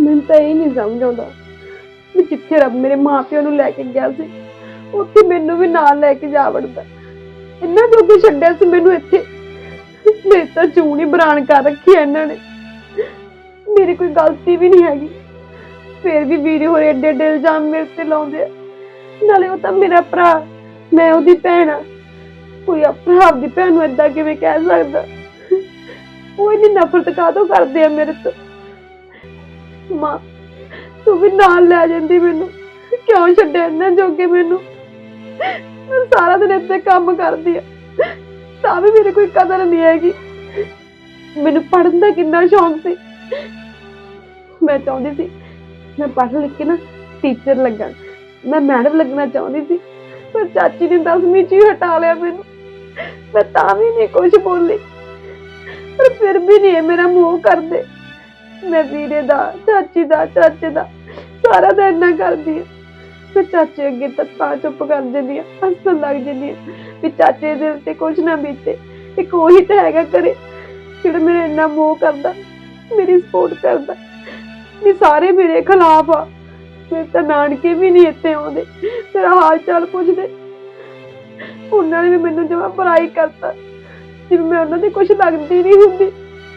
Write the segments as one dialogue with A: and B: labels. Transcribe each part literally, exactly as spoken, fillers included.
A: ਮੈਨੂੰ ਤਾਂ ਇਹ ਨਹੀਂ ਸਮਝ ਆਉਂਦਾ ਵੀ ਜਿੱਥੇ ਰੱਬ ਮੇਰੇ ਮਾਪਿਆਂ ਨੂੰ ਲੈ ਕੇ ਗਿਆ ਸੀ ਉੱਥੇ ਮੈਨੂੰ ਵੀ ਨਾਲ ਲੈ ਕੇ ਜਾ ਵੜਦਾ। ਇੰਨਾ ਜੋਗੇ ਛੱਡਿਆ ਸੀ ਮੈਨੂੰ ਇੱਥੇ। ਮੇਰੇ ਤਾਂ ਜੂਨ ਹੀ ਬਰਾਨ ਕਰ ਰੱਖੀ ਇਹਨਾਂ ਨੇ। ਮੇਰੀ ਕੋਈ ਗਲਤੀ ਵੀ ਨਹੀਂ ਹੈਗੀ, ਫਿਰ ਵੀ ਵੀਰੇ ਹੋਰੇ ਏਡੇ ਏਡੇ ਇਲਜ਼ਾਮ ਮੇਰੇ ਤੇ ਲਾਉਂਦੇ ਆ। ਨਾਲੇ ਉਹ ਤਾਂ ਮੇਰਾ ਭਰਾ, ਮੈਂ ਉਹਦੀ ਭੈਣ ਆ। ਕੋਈ ਭਰਾ ਆਪਦੀ ਭੈਣ ਨੂੰ ਏਦਾਂ ਕਿਵੇਂ ਕਹਿ ਸਕਦਾ? ਉਹ ਇੰਨੀ ਨਫ਼ਰਤ ਕਾਹਤੋਂ ਕਰਦੇ ਆ ਮੇਰੇ ਤੋਂ? ਮਾਂ ਤੂੰ ਵੀ ਨਾਲ ਲੈ ਜਾਂਦੀ ਮੈਨੂੰ, ਕਿਉਂ ਛੱਡਿਆ ਇਹਨਾਂ ਜੋਗੇ ਮੈਨੂੰ? ਮੈਂ ਸਾਰਾ ਦਿਨ ਇੱਥੇ ਕੰਮ ਕਰਦੀ ਆ ਤਾਂ ਵੀ ਮੇਰੇ ਕੋਈ ਕਦਰ ਨਹੀਂ ਹੈਗੀ। ਮੈਨੂੰ ਪੜ੍ਹਨ ਦਾ ਕਿੰਨਾ ਸ਼ੌਂਕ ਸੀ। ਮੈਂ ਚਾਹੁੰਦੀ ਸੀ ਮੈਂ ਪੜ੍ਹ ਲਿਖ ਕੇ ਨਾ ਟੀਚਰ ਲੱਗਾ, ਮੈਂ ਮੈਡਮ ਲੱਗਣਾ ਚਾਹੁੰਦੀ ਸੀ, ਪਰ ਚਾਚੀ ਨੇ ਦਸਵੀਂ ਚ ਹੀ ਹਟਾ ਲਿਆ ਮੈਨੂੰ। ਮੈਂ ਤਾਂ ਵੀ ਨਹੀਂ ਕੁਛ ਬੋਲੀ, ਪਰ ਫਿਰ ਵੀ ਨਹੀਂ ਮੇਰਾ ਮੂੰਹ ਕਰਦੇ। ਮੈਂ ਵੀਰੇ ਦਾ, ਚਾਚੀ ਦਾ, ਚਾਚੇ ਦਾ ਸਾਰਾ ਦਿਨ ਇੰਨਾ ਕਰਦੀ ਆ। ਮੈਂ ਚਾਚੇ ਅੱਗੇ ਤਾਂ ਤਾਂ ਚੁੱਪ ਕਰ ਜਾਂਦੀ ਆ, ਹੱਸਣ ਲੱਗ ਜਾਂਦੀ ਆ ਵੀ ਚਾਚੇ ਦੇ ਦਿਲ ਤੇ ਕੁਛ ਨਾ ਬੀਤੇ। ਇੱਕ ਉਹੀ ਤਾਂ ਹੈਗਾ ਘਰੇ ਜਿਹੜਾ ਮੇਰਾ ਇੰਨਾ ਮੋਹ ਕਰਦਾ, ਮੇਰੀ ਸਪੋਰਟ ਕਰਦਾ। ਵੀ ਸਾਰੇ ਮੇਰੇ ਖਿਲਾਫ ਆ। ਮੇਰੇ ਤਾਂ ਨਾਨਕੇ ਵੀ ਨਹੀਂ ਇੱਥੇ ਆਉਂਦੇ, ਮੇਰਾ ਹਾਲ ਚਾਲ ਪੁੱਛਦੇ। ਉਹਨਾਂ ਨੇ ਵੀ ਮੈਨੂੰ ਜਮਾਂ ਬੁਰਾਈ ਕਰਤਾ, ਜਿਵੇਂ ਮੈਂ ਉਹਨਾਂ ਦੀ ਕੁਛ ਲੱਗਦੀ ਨਹੀਂ ਹੁੰਦੀ।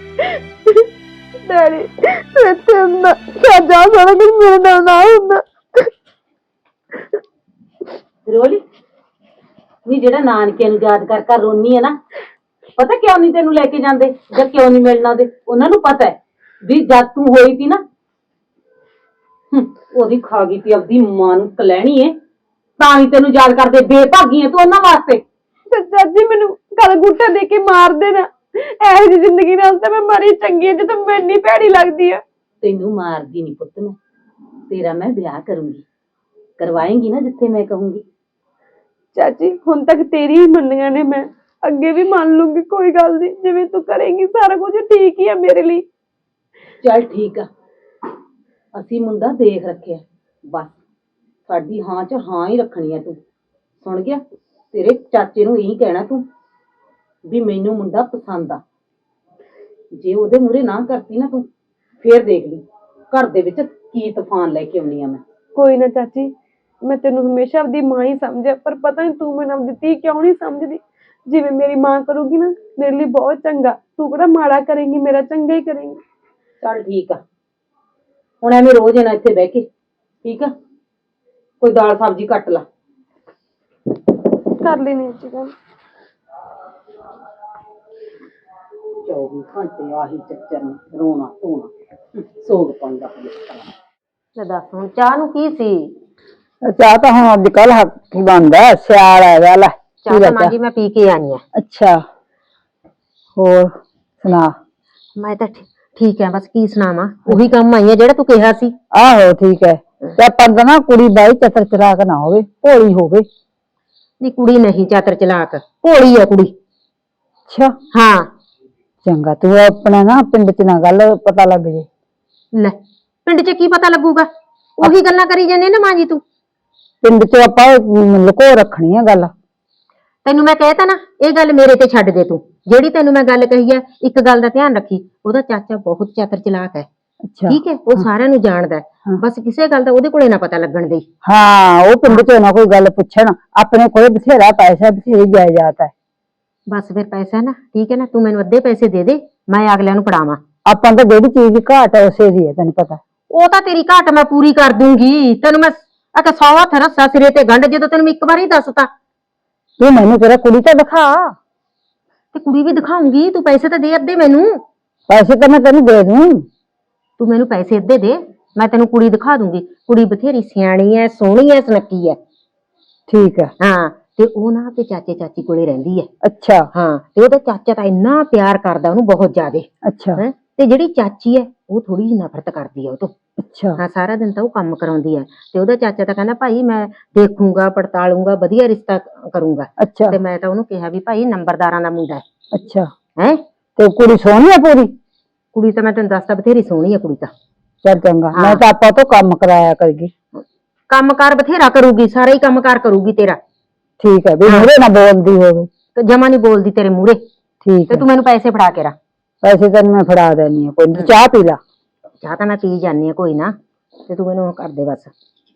A: ਡੈਡੀ ਇੱਥੇ ਹੁੰਦਾ ਸਾਡਾ ਸਾਰਾ ਕੁਝ ਮੇਰੇ ਨਾਲ ਨਾ ਹੁੰਦਾ।
B: ਰੋਲੀ ਨੀ ਜਿਹੜਾ ਨਾਨਕੇ ਨੂੰ ਯਾਦ ਕਰ ਕਰ ਰੋਨੀ ਹੈ ਨਾ, ਪਤਾ ਕਿਉਂ ਨਹੀਂ ਤੈਨੂੰ ਲੈ ਕੇ ਜਾਂਦੇ ਜਾਂ ਕਿਉਂ ਨਹੀਂ ਮਿਲਣਾ ਦੇ? ਉਹਨਾਂ ਨੂੰ ਪਤਾ ਹੈ ਵੀ ਜਦ ਤੂੰ ਹੋਈ ਸੀ ਨਾ ਉਹਦੀ ਖਾ ਗਈ ਸੀ ਆਪਦੀ ਮਾਂ ਨੂੰ ਕਲੈਣੀ ਏ, ਤਾਂ ਹੀ ਤੈਨੂੰ ਯਾਦ ਕਰਦੇ। ਬੇਭਾਗੀ ਹੈ ਤੂੰ ਉਹਨਾਂ ਵਾਸਤੇ।
A: ਚਾਚੀ ਮੈਨੂੰ ਗਲ ਗੁੱਟਾ ਦੇ ਕੇ ਮਾਰ ਦੇਣਾ, ਇਹੋ ਜਿਹੀ ਜ਼ਿੰਦਗੀ ਨਾਲ ਤਾਂ ਮੈਂ ਮਰੀ ਚੰਗੀ ਜਦੋਂ ਮੈਨੂੰ ਇੰਨੀ ਭੈੜੀ ਲੱਗਦੀ ਆ।
B: ਤੈਨੂੰ ਮਾਰਦੀ ਨਹੀਂ ਪੁੱਤ, ਮੈਂ ਤੇਰਾ ਮੈਂ ਵਿਆਹ ਕਰੂੰਗੀ, ਕਰਵਾਏਂਗੀ ਨਾ ਜਿੱਥੇ ਮੈਂ ਕਹੂੰਗੀ।
A: ਚਾਚੀ ਹੁਣ ਤੱਕ ਤੇਰੀ ਹੀ ਮੰਨੀਆਂ ਨੇ, ਮੈਂ ਅੱਗੇ ਵੀ ਮੰਨ ਲੂੰਗੀ, ਕੋਈ ਗੱਲ ਨਹੀਂ। ਜਿਵੇਂ ਤੂੰ ਕਰੇਂਗੀ ਸਾਰਾ ਕੁਝ ਠੀਕ ਹੀ ਆ ਮੇਰੇ ਲਈ।
B: ਚੱਲ ਠੀਕ ਆ, ਅਸੀਂ ਮੁੰਡਾ ਦੇਖ ਰੱਖਿਆ, ਬਸ ਸਾਡੀ ਹਾਂ ਚ ਹਾਂ ਹੀ ਰੱਖਣੀ ਆ। ਤੂੰ ਸੁਣ ਗਿਆ? ਤੇਰੇ ਚਾਚੇ ਨੂੰ ਇਹੀ ਕਹਿਣਾ ਤੂੰ ਵੀ ਮੈਨੂੰ ਮੁੰਡਾ ਪਸੰਦ ਆ। ਜੇ ਉਹਦੇ ਮੂਹਰੇ ਨਾ ਕਰਤੀ ਨਾ ਤੂੰ, ਫੇਰ ਦੇਖ ਲਈ ਘਰ ਦੇ ਵਿੱਚ ਕੀ ਤੂਫਾਨ ਲੈ ਕੇ ਆਉਣੀ ਆ ਮੈਂ।
A: ਕੋਈ ਨਾ ਚਾਚੀ, ਮੈਂ ਤੈਨੂੰ ਹਮੇਸ਼ਾ ਆਪਦੀ ਮਾਂ ਹੀ ਸਮਝਿਆ, ਪਰ ਪਤਾ ਨਹੀਂ ਤੂੰ ਮੈਨੂੰ ਆਪਦੀ ਧੀ ਕਿਉਂ ਨਹੀਂ ਸਮਝਦੀ। ਜਿਵੇਂ ਮੇਰੀ ਮਾਂ ਕਰੂਗੀ ਨਾ ਮੇਰੇ ਲਈ ਬਹੁਤ ਚੰਗਾ, ਤੂੰ ਕਿਹੜਾ ਮਾੜਾ ਕਰੇਂਗੀ, ਮੇਰਾ ਚੰਗਾ ਹੀ ਕਰੇਂਗੀ।
B: ਚੱਲ ਠੀਕ ਆ, ਹੁਣ ਐਵੇਂ ਰੋਜ਼ ਨਾ ਇੱਥੇ ਬਹਿ ਕੇ, ਠੀਕ ਆ? ਕੋਈ ਦਾਲ ਸਬਜ਼ੀ ਕੱਟ ਲਾ।
A: ਕਰ ਲੈਣੀ ਗੱਲ।
B: ਚੌਵੀ ਘੰਟੇ ਆਹੀ ਚੱਕਰ ਨੇ, ਰੋਣਾ ਧੋਣਾ, ਸੋਗ ਪਾਉਂਦਾ।
C: ਲੈ ਦੱਸ ਹੁਣ ਚਾਹ ਨੂੰ ਕੀ ਸੀ?
D: ਚਾਹ ਤਾਂ ਹੁਣ ਅੱਜ ਕੱਲ ਹੱਥ ਹੀ ਬਣਦਾ, ਸਿਆਲ ਹੈਗਾ। ਲੈ
C: ਚਾਹ ਤਾਂ ਮਾਂ ਜੀ ਮੈਂ ਪੀ ਕੇ ਆਣੀ ਆ।
D: ਅੱਛਾ, ਹੋਰ ਸੁਣਾ?
C: ਮੈਂ ਤਾਂ ਠੀਕ ਹੈ, ਬਸ ਕੀ ਸੁਣਾਵਾਂ, ਉਹੀ ਕੰਮ ਆਈ ਆ ਜਿਹੜਾ ਤੂੰ ਕਿਹਾ ਸੀ।
D: ਆਹੋ ਠੀਕ ਹੈ, ਤੇ ਪਰ ਨਾ ਕੁੜੀ ਬਾਈ ਚਤਰ ਚਲਾਕ ਨਾ ਹੋਵੇ, ਭੋਲੀ ਹੋਵੇ।
C: ਨਹੀਂ ਕੁੜੀ ਨਹੀਂ ਚਾਤਰ ਚਲਾਕ, ਭੋਲੀ ਆ ਕੁੜੀ।
D: ਅੱਛਾ
C: ਹਾਂ
D: ਚੰਗਾ, ਤੂੰ ਆਪਣਾ ਨਾ ਪਿੰਡ ਚ ਨਾ ਗੱਲ ਪਤਾ ਲੱਗ ਜੇ।
C: ਲੈ ਪਿੰਡ ਚ ਕੀ ਪਤਾ ਲੱਗੂਗਾ? ਉਹੀ ਗੱਲਾਂ ਕਰੀ ਜਾਂਦੇ ਨਾ ਮਾਂ ਜੀ ਤੂੰ।
D: ਪਿੰਡ ਚ ਆਪਾਂ ਲੁਕੋ ਰੱਖਣੀ ਆ ਗੱਲ।
C: ਤੈਨੂੰ ਮੈਂ ਕਹਿਤਾ ਨਾ, ਇਹ ਗੱਲ ਮੇਰੇ ਤੇ ਛੱਡ ਦੇ ਤੂੰ। ਜਿਹੜੀ ਤੈਨੂੰ ਮੈਂ ਗੱਲ ਕਹੀ ਹੈ, ਇੱਕ ਗੱਲ ਦਾ ਧਿਆਨ ਰੱਖੀ, ਉਹਦਾ ਚਾਚਾ ਬਹੁਤ ਚਾਤਰ ਚਲਾਕ ਹੈ।
D: ਅੱਛਾ
C: ਠੀਕ ਹੈ, ਉਹ ਸਾਰਿਆਂ ਨੂੰ ਜਾਣਦਾ, ਬਸ ਕਿਸੇ ਗੱਲ ਦਾ ਉਹਦੇ ਕੋਲੇ ਨਾ ਪਤਾ ਲੱਗਣ ਦੇ।
D: ਹਾਂ, ਉਹ ਪਿੰਡ ਚ ਨਾ ਕੋਈ ਗੱਲ ਪੁੱਛਣ, ਆਪਣੇ ਕੋਲੇ ਬਥੇਰਾ ਪੈਸਾ, ਬਥੇਰੀ ਜਾਇਦਾਦ ਹੈ।
C: ਬਸ ਫਿਰ ਪੈਸਾ ਨਾ, ਠੀਕ ਹੈ ਨਾ, ਤੂੰ ਮੈਨੂੰ ਅੱਧੇ ਪੈਸੇ ਦੇ ਦੇ, ਮੈਂ ਅਗਲਿਆਂ ਨੂੰ ਫੜਾਵਾਂ।
D: ਆਪਾਂ ਤਾਂ ਜਿਹੜੀ ਚੀਜ਼ ਦੀ ਘਾਟ ਹੈ ਉਸੇ ਦੀ ਹੈ, ਤੈਨੂੰ ਪਤਾ।
C: ਉਹ ਤਾਂ ਤੇਰੀ ਘਾਟ ਮੈਂ ਪੂਰੀ ਕਰ ਦੂੰਗੀ। ਤੈਨੂੰ ਮੈਂ ਆਖਿਆ ਸੌ ਹੱਥ ਰੱਸਾ ਸਿਰੇ ਤੇ ਗੰਢ, ਜਦੋਂ ਤੈਨੂੰ ਮੈਂ ਇੱਕ ਵਾਰੀ ਦੱਸਤਾ।
D: ਤੂੰ ਮੈਨੂੰ ਤੇਰਾ ਕੁੜੀ ਤਾਂ ਦਿਖਾ।
C: ਤੇ ਕੁੜੀ ਵੀ ਦਿਖਾਉਂਗੀ, ਤੂੰ ਪੈਸੇ ਤਾਂ ਦੇ ਅੱਧੇ ਮੈਨੂੰ।
D: ਪੈਸੇ ਤਾਂ ਮੈਂ ਤੈਨੂੰ ਦੇ ਦੂੰ।
C: ਤੂੰ ਮੈਨੂੰ ਪੈਸੇ ਅੱਧੇ ਦੇ, ਮੈਂ ਤੈਨੂੰ ਕੁੜੀ ਦਿਖਾ ਦੂੰਗੀ। ਕੁੜੀ ਬਥੇਰੀ ਸਿਆਣੀ ਐ, ਸੋਹਣੀ ਐ, ਸੁਨੱਖੀ ਐ।
D: ਠੀਕ ਹੈ।
C: ਹਾਂ, ਤੇ ਉਹ ਨਾ ਤੇ ਚਾਚੇ ਚਾਚੀ ਕੋਲੇ ਰਹਿੰਦੀ ਐ।
D: ਅੱਛਾ।
C: ਹਾਂ, ਤੇ ਉਹਦਾ ਚਾਚਾ ਤਾਂ ਇੰਨਾ ਪਿਆਰ ਕਰਦਾ ਉਹਨੂੰ, ਬਹੁਤ ਜ਼ਿਆਦੇ।
D: ਅੱਛਾ।
C: ਹੈ ਤੇ ਜਿਹੜੀ ਚਾਚੀ ਐ ਉਹ ਥੋੜੀ ਜਿਹੀ ਨਫ਼ਰਤ ਕਰਦੀ ਐ ਉਹ ਤੋਂ।
D: ਅੱਛਾ।
C: ਹਾਂ, ਸਾਰਾ ਦਿਨ ਤਾਂ ਉਹ ਕੰਮ ਕਰਾਉਂਦੀ ਐ, ਤੇ ਉਹਦਾ ਚਾਚਾ ਤਾਂ ਕਹਿੰਦਾ ਭਾਈ ਮੈਂ ਦੇਖੂੰਗਾ, ਪੜਤਾਲੂੰਗਾ, ਵਧੀਆ ਰਿਸ਼ਤਾ ਕਰੂੰਗਾ।
D: ਅੱਛਾ।
C: ਤੇ ਮੈਂ ਤਾਂ ਉਹਨੂੰ ਕਿਹਾ ਵੀ ਭਾਈ ਨੰਬਰਦਾਰਾਂ ਦਾ ਮੁੰਡਾ ਹੈ।
D: ਅੱਛਾ।
C: ਹੈ
D: ਤੇ ਕੁੜੀ ਸੋਹਣੀ ਆ ਪੂਰੀ?
C: ਕੁੜੀ ਤਾਂ ਮੈਂ ਤੈਨੂੰ ਦੱਸਦਾ ਬਥੇਰੀ ਸੋਹਣੀ ਆ ਕੁੜੀ ਤਾਂ।
D: ਚੱਲ ਚੰਗਾ, ਮੈਂ ਤਾਂ ਆਪਾਂ ਤੋਂ ਕੰਮ ਕਰਾਇਆ ਕਰਗੀ।
C: ਕੰਮ ਕਾਰ ਬਥੇਰਾ ਕਰੂਗੀ, ਸਾਰੇ ਹੀ ਕੰਮ ਕਾਰ ਕਰੂਗੀ ਤੇਰਾ।
D: ਠੀਕ ਹੈ, ਵੀ ਮੂਹਰੇ ਨਾ ਬੋਲਦੀ ਹੋਵੇ।
C: ਤੇ ਜਮਾ ਨੀ ਬੋਲਦੀ ਤੇਰੇ ਮੂਹਰੇ।
D: ਠੀਕ
C: ਤੇ ਤੂੰ ਮੈਨੂੰ ਪੈਸੇ ਫੜਾ ਕੇ ਰੱਖ।
D: ਪੈਸੇ ਤੈਨੂੰ ਮੈਂ ਫੜਾ ਦੇਣੀ ਆ, ਕੋਈ ਚਾਹ ਪੀ ਲਾ।
C: ਚਾਹ ਤਾਂ ਮੈਂ ਪੀ ਜਾਨੀ ਆ ਕੋਈ ਨਾ, ਤੇ ਤੂੰ ਮੈਨੂੰ ਉਹ ਕਰ ਦੇ ਬਸ।